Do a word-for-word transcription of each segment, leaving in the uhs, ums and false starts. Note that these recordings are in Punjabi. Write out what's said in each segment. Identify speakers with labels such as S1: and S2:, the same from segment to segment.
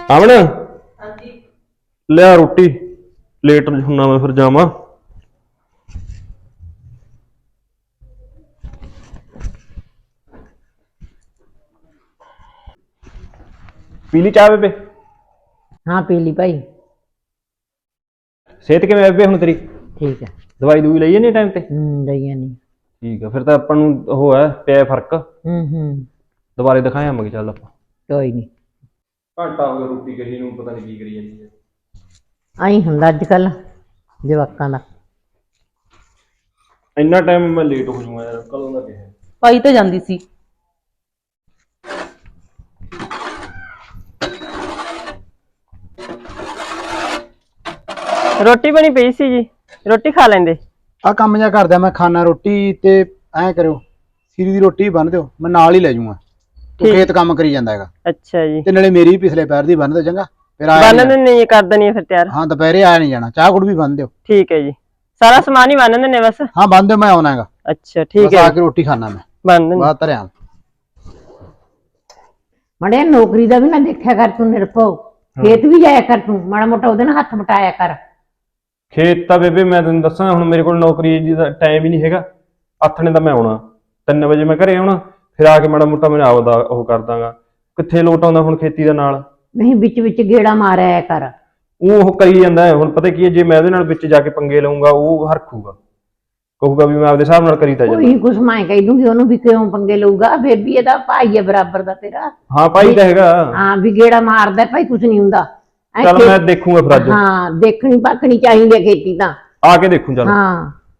S1: ਆਵਣ
S2: ਹਾਂਜੀ
S1: ਲਿਆ ਰੋਟੀ ਲੇਟ ਹੁੰਨਾ ਮੈਂ ਫਿਰ ਜਾਵਾਂ। ਪੀ ਲਈ ਚਾਹ ਬੇਬੇ?
S2: हाँ पी ली भाई।
S1: ਸਿਹਤ ਕਿਵੇਂ ਬੇਬੇ ਹੁਣ ਤੇਰੀ?
S2: ठीक है।
S1: ਦਵਾਈ ਦੂਈ ਲਈ ਨਹੀਂ ਟਾਈਮ ਤੇ?
S2: हम्म दइया नहीं।
S1: ਠੀਕ ਆ ਫਿਰ ਤਾਂ ਆਪਾਂ ਨੂੰ ਉਹ ਹੈ ਪਿਆ ਫਰਕ।
S2: हम्म हम्म
S1: ਦੁਬਾਰੇ ਦਿਖਾਇਆ ਮੈਂ ਚੱਲ ਆਪਾਂ।
S2: कोई नहीं।
S1: ਘੰਟਾ ਹੋ ਗਿਆ ਰੋਟੀ ਕਹੀ ਨੂੰ ਪਤਾ ਨਹੀਂ ਕੀ ਕਰੀ ਜਾਂਦੀ ਹੈ।
S2: आई हुंदा अजकल जवाकां दा।
S1: ਇੰਨਾ ਟਾਈਮ ਮੈਂ ਲੇਟ ਹੋ ਜਾਊਂਗਾ ਯਾਰ ਕਦੋਂ ਦਾ ਕਿਹਾ।
S3: ਪਾਈ ਤਾਂ ਜਾਂਦੀ ਸੀ। ਰੋਟੀ ਬਣੀ ਪਈ ਸੀ ਜੀ, ਰੋਟੀ ਖਾ ਲੈਂਦੇ।
S4: ਆ ਕੰਮ ਜਿਹਾ ਕਰਦਾ ਮੈਂ ਖਾਣਾ ਰੋਟੀ ਤੇ ਐਂ ਕਰਿਓ ਸੀਰੀ ਦੀ ਰੋਟੀ ਬੰਨ ਦਿਓ ਮੈਂ ਨਾਲ ਹੀ ਲੈ ਜਾਊਂਗਾ। ਤੂੰ ਖੇਤ ਕੰਮ ਕਰੀ ਜਾਂਦਾ ਹੈਗਾ।
S3: ਅੱਛਾ ਜੀ।
S4: ਤੇ ਨਾਲੇ ਮੇਰੀ ਪਿਛਲੇ ਪੈਰ ਦੀ ਬੰਨ ਦਿਓ ਚੰਗਾ। ਫਿਰ ਆਇਆ
S3: ਬੰਨ ਦਿੰਦੇ ਨਹੀਂ ਕਰ ਦਣੀ ਫਿਰ ਤਿਆਰ।
S4: ਹਾਂ ਦੁਪਹਿਰੇ ਆਇਆ ਨਹੀਂ ਜਾਣਾ ਚਾਹ ਗੁੜ ਵੀ ਬੰਨ ਦਿਓ।
S3: ਠੀਕ ਹੈ ਜੀ, ਸਾਰਾ ਸਮਾਨ ਹੀ ਬੰਨ ਦਿੰਦੇ ਬਸ।
S4: ਹਾਂ ਬੰਨ ਦਿਓ ਮੈਂ ਆਉਣਾ ਹੈਗਾ।
S3: ਅੱਛਾ ਠੀਕ ਹੈ
S4: ਆ ਕੇ ਰੋਟੀ ਖਾਣਾ ਮੈਂ
S3: ਬੰਨ ਦਿੰਦੇ।
S4: ਬਾਅਦ ਧਰਿਆ
S2: मड़े नौकरी दा भी ना देखा कर तू निरभो। खेत भी जाया कर तू माड़ा मोटा ओदे नाल हत्थ मटाया कर।
S1: ਖੇਤ ਤਾਂ ਬੇਬੇ ਮੈਂ ਤੈਨੂੰ ਦੱਸਾਂ ਹੁਣ ਮੇਰੇ ਕੋਲ ਨੌਕਰੀ ਦਾ ਟਾਈਮ ਹੀ ਨਹੀਂ ਹੈਗਾ। ਆਥਣੇ ਤਾਂ ਮੈਂ ਆਉਣਾ ਤਿੰਨ ਵਜੇ ਮੈਂ ਘਰੇ ਆਉਣਾ ਫਿਰ ਆ ਕੇ ਮਾੜਾ ਮੋਟਾ ਮੈਂ ਆਪਦਾ ਉਹ ਕਰ ਦਾਂਗਾ। ਕਿੱਥੇ ਲੋਟ ਆਉਂਦਾ ਹੁਣ ਖੇਤੀ ਦਾ ਨਾਲ।
S2: नहीं बिच बिच गेड़ा मारिया कर।
S1: ਉਹ ਉਹ ਕਰੀ ਜਾਂਦਾ ਹੈ ਹੁਣ ਪਤਾ ਕੀ ਹੈ ਜੇ ਮੈਂ ਉਹਦੇ ਨਾਲ ਵਿੱਚ ਜਾ ਕੇ ਪੰਗੇ ਲਊਂਗਾ ਉਹ ਹਰਖੂਗਾ ਕਹੂਗਾ ਵੀ ਮੈਂ ਆਪਦੇ ਹਿਸਾਬ ਨਾਲ ਕਰੀ ਤਾਂ ਜਾਂਦਾ।
S2: कोई कुछ मैं कह दूंगी ओनू भी क्यों पंगे लऊगा फिर भी एदा भाई है बराबर दा तेरा।
S1: ਹਾਂ ਭਾਈ ਤਾਂ ਹੈਗਾ।
S2: हां भी गेड़ा मारदा भाई कुछ नहीं हुंदा।
S1: चल मैं देखूंगा फिर आज।
S2: हाँ देखनी पाकनी चाहिए खेती ता
S1: आके देखूं चल।
S2: हाँ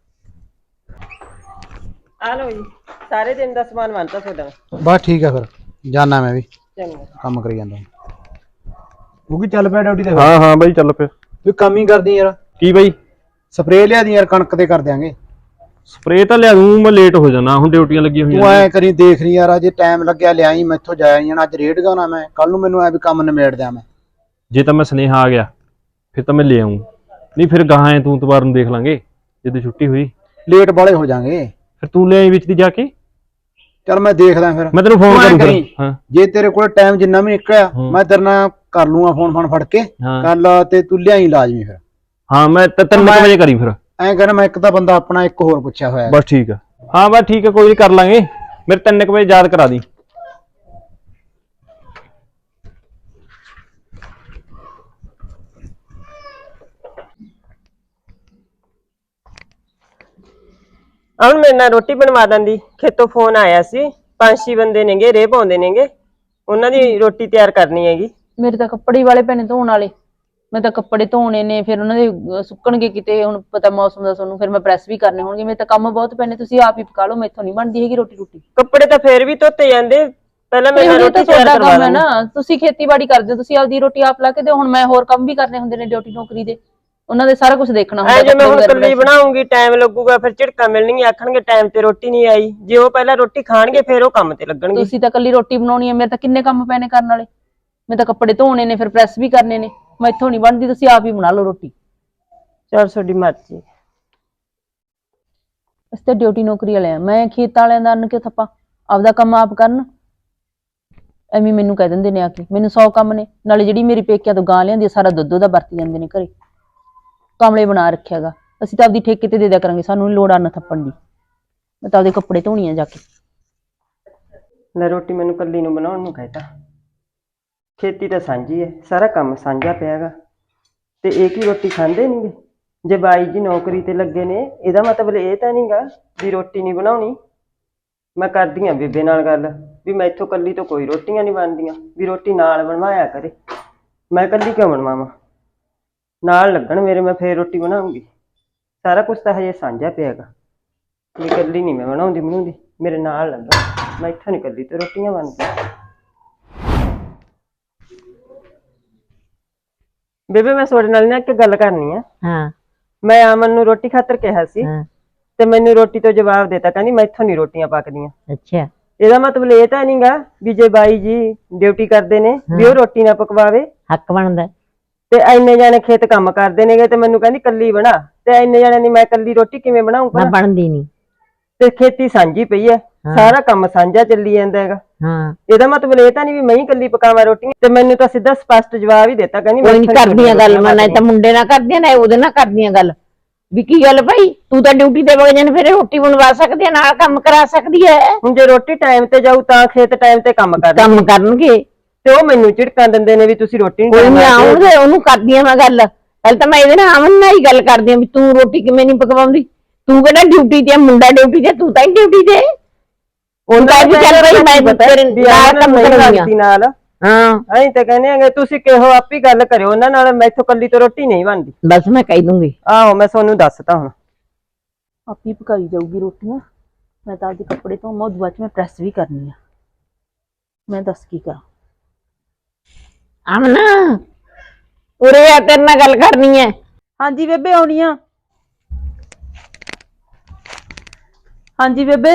S3: ਆ ਲਓ ਜੀ ਸਾਰੇ ਦਿਨ ਦਾ ਸਮਾਨ ਬੰਨਤਾ ਤੁਹਾਡਾ।
S4: ਬਸ ਠੀਕ ਹੈ ਫਿਰ ਜਾਣਾ ਮੈਂ ਵੀ
S3: ਚੰਗਾ
S4: ਕੰਮ ਕਰੀ ਜਾਂਦਾ। ਉਹ ਕੀ ਚੱਲ ਪਿਆ ਡਿਊਟੀ ਤੇ?
S1: ਹਾਂ ਹਾਂ ਬਾਈ ਚੱਲ ਪਿਆ।
S4: ਤੂੰ ਕੰਮ ਹੀ ਕਰਦੀ ਯਾਰ।
S1: ਕੀ ਬਾਈ?
S4: ਸਪਰੇਅ ਲਿਆ ਦੀ ਯਾਰ ਕਣਕ ਤੇ ਕਰ ਦਿਆਂਗੇ।
S1: ਸਪਰੇਅ ਤਾਂ ਲਿਆ ਦੂੰ ਮੈਂ ਲੇਟ ਹੋ ਜਾਣਾ ਹੁਣ ਡਿਊਟੀਆਂ ਲੱਗੀਆਂ ਹੋਈਆਂ।
S4: ਤੂੰ ਐ ਕਰੀ ਦੇਖ ਲਈ ਯਾਰ ਅਜੇ ਟਾਈਮ ਲੱਗਿਆ ਲਿਆਈ ਮੈਥੋਂ ਜਾਇਆ ਨਹੀਂ ਜਾਣਾ। ਅੱਜ ਰੇਡ ਗਾਉਣਾ ਮੈਂ ਕੱਲ ਨੂੰ ਮੈਨੂੰ ਐ ਵੀ ਕੰਮ ਨਿਮੇੜ ਦਿਆਂ ਮੈਂ।
S1: ਜੇ ਤਾਂ ਮੈਂ ਸੁਨੇਹਾ ਆ ਗਿਆ ਫਿਰ ਤਾਂ ਮੈਂ ਲੈ ਆऊं ਨਹੀਂ ਫਿਰ ਗਾਹਾਂ ਤੂੰ ਤਵਾਰ ਨੂੰ ਦੇਖ ਲਾਂਗੇ ਜਦੋਂ ਛੁੱਟੀ ਹੋਈ।
S4: ਲੇਟ ਬਾਲੇ ਹੋ ਜਾਾਂਗੇ
S1: ਫਿਰ ਤੂੰ ਲੈ ਆਈ ਵਿੱਚ ਦੀ ਜਾ ਕੇ।
S4: ਚੱਲ ਮੈਂ ਦੇਖਦਾ ਫਿਰ
S1: ਮੈਂ ਤੈਨੂੰ ਫੋਨ ਕਰੂੰ ਫਿਰ। ਹਾਂ
S4: ਜੇ ਤੇਰੇ ਕੋਲ ਟਾਈਮ ਜਿੰਨਾ ਵੀ ਨਿਕਲਿਆ ਮੈਂ ਤੇਰੇ ਨਾਲ ਕਰ ਲੂੰਗਾ ਫੋਨ ਫੋਨ ਫੜ ਕੇ ਕੱਲ ਤੇ ਤੂੰ ਲਿਆਈ ਲਾਜ਼ਮੀ ਫਿਰ।
S1: ਹਾਂ ਮੈਂ ਤਿੰਨ ਵਜੇ ਕਰੀ ਫਿਰ।
S4: ਐਂ ਕਰ ਮੈਂ ਇੱਕ ਤਾਂ ਬੰਦਾ ਆਪਣਾ ਇੱਕ ਹੋਰ ਪੁੱਛਿਆ ਹੋਇਆ।
S1: ਬਸ ਠੀਕ ਆ। ਹਾਂ ਬਸ ਠੀਕ ਆ ਕੋਈ ਨਹੀਂ ਕਰ ਲਾਂਗੇ। ਮੇਰੇ ਤਿੰਨ ਕੁ ਵਜੇ ਯਾਦ ਕਰਾ ਦੀ।
S3: ਹੁਣ ਮੇਰੇ ਨਾਲ ਰੋਟੀ ਬਣਵਾ ਦਿੰਦੀ। ਖੇਤੋਂ ਫੋਨ ਆਇਆ ਸੀ ਪੰਜ ਛੇ ਬੰਦੇ ਨੇਗੇ ਰੇਹ ਪਾਉਂਦੇ ਨੇਗੇ ਉਹਨਾਂ ਦੀ ਰੋਟੀ ਤਿਆਰ ਕਰਨੀ ਹੈਗੀ।
S5: ਮੇਰੇ ਤਾਂ ਕੱਪੜੇ ਵਾਲੇ ਪੈਣੇ ਧੋਣ ਵਾਲੇ। ਮੈਂ ਤਾਂ ਕੱਪੜੇ ਧੋਣੇ ਨੇ ਫਿਰ ਉਹਨਾਂ ਦੇ ਸੁੱਕਣਗੇ ਕਿਤੇ ਹੁਣ ਪਤਾ ਮੌਸਮ ਦਾ ਤੁਹਾਨੂੰ ਫਿਰ ਮੈਂ ਪ੍ਰੈਸ ਵੀ ਕਰਨੇ ਹੋਣਗੇ। ਮੇਰੇ ਤਾਂ ਕੰਮ ਬਹੁਤ ਪੈਣੇ ਤੁਸੀਂ ਆਪ ਹੀ ਪਕਾ ਲਓ ਮੈਥੋਂ ਨਹੀਂ ਬਣਦੀ ਹੈਗੀ ਰੋਟੀ ਰੋਟੀ।
S3: ਕੱਪੜੇ ਤਾਂ ਫੇਰ ਵੀ ਧੋਤੇ ਜਾਂਦੇ ਪਹਿਲਾਂ ਮੈਂ ਰੋਟੀ ਤਿਆਰ ਕਰਵਾ
S5: ਕੰਮ ਹੈ ਨਾ। ਤੁਸੀਂ ਖੇਤੀਬਾੜੀ ਕਰਦੇ ਹੋ ਤੁਸੀਂ ਆਪਦੀ ਰੋਟੀ ਆਪ ਲਾ ਕੇ ਦਿਓ। ਹੁਣ ਮੈਂ ਹੋਰ ਕੰਮ ਵੀ ਕਰਨੇ ਹੁੰਦੇ ਨੇ ਡਿਊਟੀ ਨੌਕਰੀ ਦੇ ਉਹਨਾਂ ਦੇ ਸਾਰਾ ਕੁਝ ਦੇਖਣਾ ਹੁੰਦਾ।
S3: ਜੇ ਮੈਂ ਹੁਣ ਇਕੱਲੀ ਬਣਾਉਂਗੀ ਟਾਈਮ ਲੱਗੂਗਾ ਫਿਰ ਝਿੜਕਾਂ ਮਿਲਣਗੀਆਂ ਆਖਣਗੇ ਟਾਈਮ ਤੇ ਰੋਟੀ ਨਹੀਂ ਆਈ। ਜੇ ਉਹ ਪਹਿਲਾਂ ਰੋਟੀ ਖਾਣਗੇ ਫਿਰ ਉਹ ਕੰਮ ਤੇ ਲੱਗਣਗੇ।
S5: ਤੁਸੀਂ ਤਾਂ ਇਕੱਲੀ ਰੋਟੀ ਬਣਾਉਣੀ ਹੈ ਮੇਰੇ ਤਾਂ ਕਿੰਨੇ ਕੰਮ ਪੈਣੇ ਕਰਨ ਵਾਲੇ। ਮੈਂ ਤਾਂ ਕੱਪੜੇ ਧੋਣੇ ਨੇ ਫਿਰ ਪ੍ਰੈਸ ਵੀ ਕਰਨੇ ਨੇ ਮੈਥੋਂ ਨਹੀਂ ਬਣਦੀ ਤੁਸੀਂ ਆਪ ਹੀ ਬਣਾ ਲਓ ਰੋਟੀ।
S3: ਚਲ ਤੁਹਾਡੀ ਮਰਜ਼ੀ।
S5: ਅਸੀਂ ਤਾਂ ਡਿਊਟੀ ਨੌਕਰੀ ਵਾਲੇ ਆ। ਮੈਂ ਖੇਤ ਵਾਲਿਆਂ ਦਾ ਅੰਨ ਕਿਉਂ ਥੱਪਾਂ ਆਪਦਾ ਕੰਮ ਆਪ ਕਰਨ। ਐਵੇਂ ਮੈਨੂੰ ਕਹਿ ਦਿੰਦੇ ਨੇ ਆ ਕੇ ਮੈਨੂੰ ਸੌ ਕੰਮ ਨੇ। ਨਾਲੇ ਜਿਹੜੀ ਮੇਰੀ ਪੇਕਿਆਂ ਤੋਂ ਗਾਂ ਲਿਆਂਦੀ ਸਾਰਾ ਦੁੱਧ ਉਹਦਾ ਵਰਤੀ ਜਾਂਦੇ ਨੇ ਘਰੇ। ਕਮਲੇ ਬਣਾ ਰੱਖਿਆਗਾ। ਅਸੀਂ ਤਾਂ ਆਪਦੀ ਠੇਕੇ ਤੇ ਦੇ ਦਿਆ ਕਰਾਂਗੇ ਸਾਨੂੰ ਨੀ ਲੋੜ ਅੰਨ ਥੱਪਣ ਦੀ। ਮੈਂ ਤਾਂ ਆਪਦੇ ਕੱਪੜੇ ਧੋਣੀ ਆ ਜਾ ਕੇ।
S3: ਲੈ ਰੋਟੀ ਮੈਨੂੰ ਕੱਲੀ ਨੂੰ ਬਣਾਉਣ ਨੂੰ ਕਹਿਤਾ। ਖੇਤੀ ਤਾਂ ਸਾਂਝੀ ਹੈ ਸਾਰਾ ਕੰਮ ਸਾਂਝਾ ਪਿਆਗਾ ਤੇ ਇਹ ਕੀ ਰੋਟੀ ਖਾਂਦੇ ਨਹੀਂਗੇ। ਜੇ ਬਾਈ ਜੀ ਨੌਕਰੀ ਤੇ ਲੱਗੇ ਨੇ ਇਹਦਾ ਮਤਲਬ ਇਹ ਤਾਂ ਨਹੀਂਗਾ ਵੀ ਰੋਟੀ ਨਹੀਂ ਬਣਾਉਣੀ। ਮੈਂ ਕਰਦੀ ਆ ਬੇਬੇ ਨਾਲ ਗੱਲ ਵੀ ਮੈਥੋਂ ਕੱਲੀ ਤੋਂ ਕੋਈ ਰੋਟੀਆਂ ਨਹੀਂ ਬਣਦੀਆਂ ਵੀ ਰੋਟੀ ਨਾਲ ਬਣਵਾਇਆ ਕਰੇ। ਮੈਂ ਕੱਲੀ ਕਿਉਂ ਬਣਵਾਵਾਂ ਨਾਲ ਲੱਗਣ ਮੇਰੇ ਮੈਂ ਫੇਰ ਰੋਟੀ ਬਣਾਉਂਗੀ। ਸਾਰਾ ਕੁਛ ਤਾਂ ਹਜੇ ਸਾਂਝਾ ਪਿਆਗਾ ਵੀ ਕੱਲੀ ਨਹੀਂ ਮੈਂ ਬਣਾਉਂਦੀ ਬਣਾਉਂਦੀ ਮੇਰੇ ਨਾਲ ਲੱਗਣ। ਮੈਂ ਇੱਥੋਂ ਨਹੀਂ ਕੱਲੀ ਤੇ ਰੋਟੀਆਂ ਬਣਦੀਆਂ। ਬੇਬੇ ਮੈਂ ਤੁਹਾਡੇ ਨਾਲ ਨਾ ਇੱਕ ਗੱਲ ਕਰਨੀ ਆ।
S2: हाँ
S3: ਮੈਂ ਅਮਨ ਨੂੰ ਰੋਟੀ ਖਾਤਰ ਕਿਹਾ ਸੀ
S2: हाँ
S3: ਤੇ ਮੈਨੂੰ ਰੋਟੀ ਤੋਂ ਜਵਾਬ ਦੇਤਾ ਕਹਿੰਦੀ ਮੈਥੋਂ ਨਹੀਂ ਰੋਟੀਆਂ ਪੱਕਦੀਆਂ।
S2: अच्छा
S3: ਇਹਦਾ ਮਤਲਬ ਇਹ ਤਾਂ ਨਹੀਂਗਾ ਵੀ ਜੇ ਬਾਈ ਜੀ ਡਿਊਟੀ ਕਰਦੇ ਨੇ ਵੀ ਉਹ ਰੋਟੀ ਨਾ ਪਕਵਾਵੇ।
S2: हक बनदा
S3: ਤੇ ਇੰਨੇ ਜਾਣੇ ਖੇਤ ਕੰਮ ਕਰਦੇ ਨੇਗੇ ਤੇ ਮੈਨੂੰ ਕਹਿੰਦੀ ਕੱਲੀ ਬਣਾ ਤੇ ਇੰਨੇ ਜਾਣੇ ਦੀ ਮੈਂ ਕੱਲੀ ਰੋਟੀ ਕਿਵੇਂ ਬਣਾਉਂਗਾ।
S2: मैं बनदी नहीं।
S3: ਤੇ ਖੇਤੀ ਸਾਂਝੀ ਪਈ ਹੈ ਸਾਰਾ ਕੰਮ ਸਾਂਝਾ ਚੱਲੀ ਜਾਂਦਾ ਹੈਗਾ।
S2: ਹਾਂ
S3: ਇਹਦਾ ਮਤਲਬ ਇਹ ਤਾਂ ਨਹੀਂ ਵੀ ਮੈਂ ਹੀ ਇਕੱਲੀ ਪਕਾਵਾਂ ਰੋਟੀਆਂ। ਤੇ ਮੈਨੂੰ ਤਾਂ ਸਿੱਧਾ ਸਪਸ਼ਟ ਜਵਾਬ ਹੀ ਦਿੱਤਾ, ਕਹਿੰਦੀ
S2: ਕੋਈ ਨੀ
S3: ਮੈਥੋਂ ਨੀ
S2: ਕਰਦੀਆਂ ਗੱਲ,
S3: ਰੋਟੀਆਂ
S2: ਮੈਂ ਨਾ ਤਾਂ ਮੁੰਡੇ ਨਾਲ ਕਰਦੀਆਂ ਨਾ ਉਹਦੇ ਨਾਲ ਕਰਦੀਆਂ ਗੱਲ ਵੀ ਕੀ ਗੱਲ ਭਾਈ ਤੂੰ ਤਾਂ ਡਿਊਟੀ ਤੇ ਵਗ ਜਾਣ, ਫਿਰ ਰੋਟੀ ਬਣਵਾ ਸਕਦੀ ਹੈ, ਨਾਲ ਕੰਮ ਕਰਾ ਸਕਦੀ ਹੈ।
S3: ਹੁਣ ਜੇ ਰੋਟੀ ਟਾਈਮ ਤੇ ਜਾਊ ਤਾਂ ਖੇਤ ਟਾਈਮ ਤੇ ਕੰਮ ਕਰਦੇ
S2: ਕੰਮ ਕਰਨਗੇ
S3: ਤੇ ਉਹ ਮੈਨੂੰ ਝਿੜਕਾਂ ਦਿੰਦੇ ਨੇ ਵੀ ਤੁਸੀਂ ਰੋਟੀ ਨਹੀਂ
S2: ਕੋਈ ਨੀ ਆਉਂਦੇ ਉਹਨੂੰ ਕਰਦੀਆਂ ਮੈਂ ਗੱਲ। ਪਹਿਲਾਂ ਤਾਂ ਮੈਂ ਇਹਦੇ ਨਾਲ ਅਮਨ ਨਾਲ ਹੀ ਗੱਲ ਕਰਦੀ ਆਂ ਵੀ ਤੂੰ ਰੋਟੀ ਕਿਵੇਂ ਨਹੀਂ ਪਕਵਾਉਂਦੀ, ਤੂੰ ਕਿਹੜਾ ਡਿਊਟੀ ਤੇ, ਮੁੰਡਾ ਡਿਊਟੀ ਤੇ, ਤੂੰ ਤਾਂ ਹੀ ਡਿਊਟੀ ਤੇ।
S3: ਉਹਨਾਂ
S2: ਵੀ ਚੱਲ ਭਾਈ ਮੈਂ ਤੇਰੇ ਨਾਲ ਕੰਮ ਕਰਾਂਗੀ
S3: ਨਾਲ।
S2: ਹਾਂ
S3: ਅਸੀਂ ਤਾਂ ਕਹਿੰਦੇ ਆਂਗੇ ਤੁਸੀਂ ਕਿਹੋ ਆਪੀ ਗੱਲ ਕਰਿਓ ਉਹਨਾਂ ਨਾਲ, ਮੈਥੋਂ ਕੱਲੀ ਤੋਂ ਰੋਟੀ ਨਹੀਂ ਬਣਦੀ।
S2: ਬਸ ਮੈਂ ਕਹਿ ਦੂੰਗੀ।
S3: ਆਹੋ ਮੈਂ ਤੁਹਾਨੂੰ ਦੱਸਤਾ ਹੁਣ।
S5: ਆਪੀ ਪਕਾਈ ਜਾਊਗੀ ਰੋਟੀਆਂ, ਮੈਂ ਤਾਂ ਆਪਦੇ ਕੱਪੜੇ ਤੋਂ ਮੋਦ ਬਾਅਦ ਚ ਮੈਂ ਪ੍ਰੈਸ ਵੀ ਕਰਨੀ ਆ। ਮੈਂ ਦੱਸ ਕੀ ਕਰਾਂ।
S2: ਅਮਨ ਉਰੇ ਆ, ਤੇਰੇ ਨਾਲ ਗੱਲ ਕਰਨੀ ਹੈ।
S5: ਹਾਂਜੀ ਬੇਬੇ ਆਉਣੀ ਆ। ਹਾਂਜੀ ਬੇਬੇ।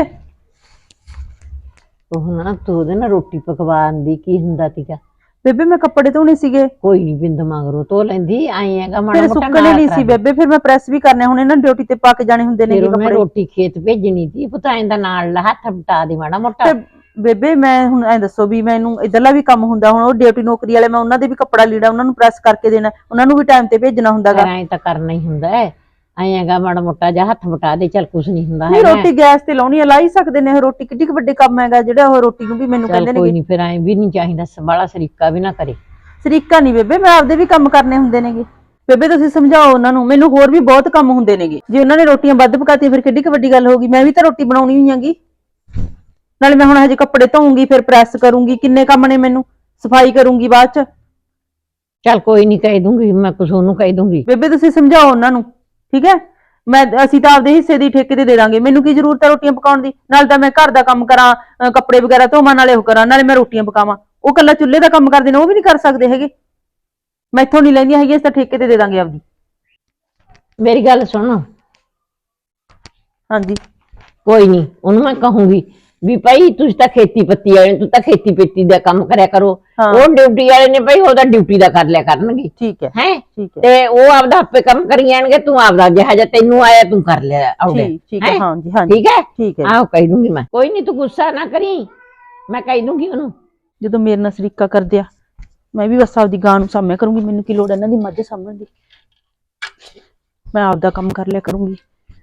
S2: ਉਹ ਨਾ ਤੂੰ ਉਹਦੇ ਨਾਲ ਰੋਟੀ ਪਕਵਾਉਣ ਦੀ ਕੀ ਹੁੰਦਾ ਸੀਗਾ?
S5: ਬੇਬੇ ਮੈਂ ਕੱਪੜੇ ਧੋਣੇ ਸੀਗੇ।
S2: ਕੋਈ ਨੀ ਬਿੰਦ ਮਗਰੋਂ ਧੋ ਲੈਂਦੀ, ਆਏ ਹੈਗਾ ਮਾੜਾ
S5: ਫਿਰ
S2: ਮੋਟਾ
S5: ਸੁੱਕਣੇ ਨਹੀਂ ਸੀ ਬੇਬੇ, ਫਿਰ ਮੈਂ ਪ੍ਰੈਸ ਵੀ ਕਰਨੇ, ਹੁਣ ਇਹਨਾਂ ਡਿਊਟੀ ਤੇ ਪਾ ਕੇ ਜਾਣੇ ਹੁੰਦੇ ਨੇ
S2: ਫਿਰ ਮੈਂ
S5: ਕੱਪੜੇ।
S2: ਰੋਟੀ ਖੇਤ ਭੇਜਣੀ ਸੀ, ਪਤਾ ਇਹਦਾ ਨਾਲ ਹੱਥ ਬਟਾ ਦੇ ਮਾੜਾ ਮੋਟਾ।
S5: ਤੇ ਬੇਬੇ ਮੈਂ ਹੁਣ ਐ ਦੱਸੋ ਵੀ ਮੈਨੂੰ ਇਧਰਲਾ ਵੀ ਕੰਮ ਹੁੰਦਾ, ਹੁਣ ਉਹ ਡਿਊਟੀ ਨੌਕਰੀ ਵਾਲੇ, ਮੈਂ ਉਹਨਾਂ ਦੇ ਵੀ ਕੱਪੜਾ ਲੀੜਾ ਉਹਨਾਂ ਨੂੰ ਪ੍ਰੈਸ ਕਰਕੇ ਦੇਣਾ, ਉਹਨਾਂ ਨੂੰ ਵੀ ਟਾਈਮ ਤੇ ਭੇਜਣਾ ਹੁੰਦਾਗਾ।
S2: ਐਂ ਤਾਂ ਕਰਨਾ ਹੀ ਹੁੰਦਾ ਹੈ, ਐਂ ਹੈਗਾ ਮਾੜਾ ਮੋਟਾ ਜਿਹਾ ਹੱਥ ਬਟਾ ਦੇ, ਚੱਲ ਕੁਛ ਨਹੀਂ ਹੁੰਦਾ
S5: ਨਹੀਂ ਰੋਟੀ ਗੈਸ ਤੇ ਲਾਉਣੀ ਆ, ਲਾ ਹੀ ਸਕਦੇ ਨੇ। ਰੋਟੀ ਕਿੱਡੀ ਕੁ ਵੱਡੇ ਕੰਮ ਹੈਗਾ ਜਿਹੜਾ ਉਹ ਰੋਟੀ ਨੂੰ ਵੀ ਮੈਨੂੰ ਕਹਿੰਦੇ ਨੇ।
S2: ਕੋਈ ਨਹੀਂ, ਫਿਰ ਐਂ ਵੀ ਨਹੀਂ ਚਾਹੀਦਾ ਬਾਲਾ ਸਰੀਕਾ ਵੀ ਨਾ ਕਰੇ।
S5: ਸਰੀਕਾ ਨਹੀਂ ਬੇਬੇ, ਮੈਂ ਆਪਦੇ ਵੀ ਕੰਮ ਕਰਨੇ ਹੁੰਦੇ ਨੇਗੇ। ਬੇਬੇ ਤੁਸੀਂ ਸਮਝਾਓ ਉਹਨਾਂ ਨੂੰ, ਮੈਨੂੰ ਹੋਰ ਵੀ ਬਹੁਤ ਕੰਮ ਹੁੰਦੇ ਨੇਗੇ। ਜੇ ਉਹਨਾਂ ਨੇ ਰੋਟੀਆਂ ਵੱਧ ਪਕਾਤੀਆਂ ਫਿਰ ਕਿੱਡੀ ਕੁ ਵੱਡੀ ਗੱਲ ਹੋਗੀ, ਮੈਂ ਵੀ ਤਾਂ ਰੋਟੀ ਬਣਾਉਣੀ ਹੋਈ ਹੈਗੀ। ਨਾਲੇ ਮੈਂ ਹੁਣ ਹਜੇ ਕੱਪੜੇ ਧੋਊਂਗੀ, ਫਿਰ ਪ੍ਰੈਸ ਕਰੂੰਗੀ, ਕਿੰਨੇ ਕੰਮ ਨੇ ਮੈਨੂੰ, ਸਫਾਈ ਕਰੂੰਗੀ ਬਾਅਦ ਚ।
S2: ਚੱਲ ਕੋਈ ਨਹੀਂ ਕਹਿ ਦੂੰਗੀ ਮੈਂ, ਕੁਛ ਉਹਨੂੰ ਕਹਿ ਦੂੰਗੀ।
S5: ਬੇਬੇ ਤੁਸੀਂ ਸਮਝਾਓ ਉਹਨਾਂ ਨੂੰ, ਠੀਕ ਹੈ। ਮੈਂ ਅਸੀਂ ਤਾਂ ਆਪਦੇ ਹਿੱਸੇ ਦੀ ਠੇਕੇ ਤੇ ਦੇ ਦਾਂਗੇ, ਮੈਨੂੰ ਕੀ ਜ਼ਰੂਰਤ ਹੈ ਰੋਟੀਆਂ ਪਕਾਉਣ ਦੀ। ਨਾਲ ਤਾਂ ਮੈਂ ਘਰ ਦਾ ਕੰਮ ਕਰਾਂ, ਅਹ ਕੱਪੜੇ ਵਗੈਰਾ ਧੋਵਾਂ, ਨਾਲੇ ਉਹ ਕਰਾਂ, ਨਾਲੇ ਮੈਂ ਰੋਟੀਆਂ ਪਕਾਵਾਂ। ਉਹ ਕੱਲਾ ਚੁੱਲ੍ਹੇ ਦਾ ਕੰਮ ਕਰਦੇ ਨੇ, ਉਹ ਵੀ ਨਹੀਂ ਕਰ ਸਕਦੇ ਹੈਗੇ। ਮੈਥੋਂ ਨਹੀਂ ਲੈਂਦੀਆਂ ਹੈਗੀਆਂ, ਅਸੀਂ ਤਾਂ ਠੇਕੇ ਤੇ ਦੇ ਦਾਂਗੇ ਆਪਦੀ।
S2: ਮੇਰੀ ਗੱਲ ਸੁਣ।
S5: ਹਾਂਜੀ
S2: ਕੋਈ ਨਹੀਂ, ਉਹਨੂੰ ਮੈਂ ਕਹੂੰਗੀ ਵੀ ਭਾਈ ਤੁਸੀਂ ਤਾਂ ਖੇਤੀ ਪੱਤੀ ਵਾਲੇ, ਤੂੰ ਤਾਂ ਖੇਤੀ ਪੇਤੀ ਦਾ ਕੰਮ ਕਰਿਆ ਕਰੋ। ਉਹ ਡਿਊਟੀ ਵਾਲੇ ਨੇ ਭਾਈ ਉਹਦਾ ਡਿਊਟੀ ਦਾ ਕਰ ਲਿਆ ਕਰਨਗੇ,
S5: ਠੀਕ ਹੈ
S2: ਹੈ
S5: ਠੀਕ ਹੈ
S2: ਤੇ ਉਹ ਆਪਦਾ ਆਪੇ ਕੰਮ ਕਰੀ ਜਾਣਗੇ, ਤੂੰ ਆਪਦਾ ਜਿਹਾ ਜਿਹਾ ਤੈਨੂੰ ਆਇਆ ਤੂੰ ਕਰ ਲਿਆ ਆਉਦੇ।
S5: ਠੀਕ ਠੀਕ ਹੈ ਹਾਂਜੀ ਹਾਂਜੀ
S2: ਠੀਕ ਹੈ
S5: ਠੀਕ ਹੈ।
S2: ਆਹੋ ਕਹਿ ਦੂੰਗੀ ਮੈਂ, ਕੋਈ ਨਹੀਂ ਤੂੰ ਗੁੱਸਾ ਨਾ ਕਰੀ, ਮੈਂ ਕਹਿ ਦੂੰਗੀ ਉਹਨੂੰ।
S5: ਜਦੋਂ ਮੇਰੇ ਨਾਲ ਸਰੀਕਾ ਕਰਦੇ ਆ, ਮੈਂ ਵੀ ਬਸ ਆਪਦੀ ਗਾਂ ਨੂੰ ਸਾਂਭਿਆ ਕਰੂੰਗੀ। ਮੈਨੂੰ ਕੀ ਲੋੜ ਇਹਨਾਂ ਦੀ ਮੱਝ ਸਾਂਭਣ ਦੀ, ਮੈਂ ਆਪਦਾ ਕੰਮ ਕਰ ਲਿਆ ਕਰੂੰਗੀ।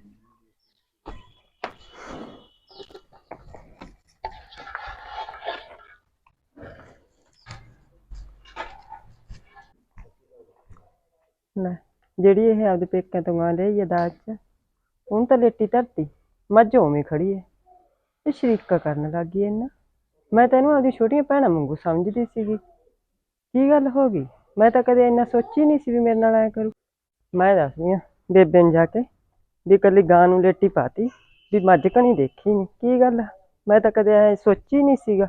S3: ਲੈ ਜਿਹੜੀ ਇਹ ਆਪਦੇ ਪੇਕਿਆਂ ਤੋਂ ਗਾਂ ਲਈ ਦਾਜ ਚ, ਹੁਣ ਤਾਂ ਲੇਟੀ ਧਰਤੀ, ਮੱਝ ਉਵੇਂ ਖੜੀ ਹੈ। ਇਹ ਸ਼ਰੀਕਾ ਕਰਨ ਲੱਗ ਗਈ ਇਹਨਾਂ। ਮੈਂ ਤੈਨੂੰ ਆਪਦੀ ਛੋਟੀਆਂ ਭੈਣਾਂ ਵਾਂਗੂ ਸਮਝਦੀ ਸੀਗੀ, ਕੀ ਗੱਲ ਹੋ ਗਈ? ਮੈਂ ਤਾਂ ਕਦੇ ਇੰਨਾ ਸੋਚੀ ਨਹੀਂ ਸੀ ਵੀ ਮੇਰੇ ਨਾਲ ਆਇਆ ਕਰੂ। ਮੈਂ ਦੱਸਦੀ ਹਾਂ ਬੇਬੇ ਨੂੰ ਜਾ ਕੇ ਵੀ ਇਕੱਲੀ ਗਾਂ ਨੂੰ ਲੇਟੀ ਪਾਤੀ, ਵੀ ਮੱਝ ਕਣੀ ਦੇਖੀ ਨਹੀਂ, ਕੀ ਗੱਲ? ਮੈਂ ਤਾਂ ਕਦੇ ਐ ਸੋਚੀ ਨਹੀਂ ਸੀਗਾ।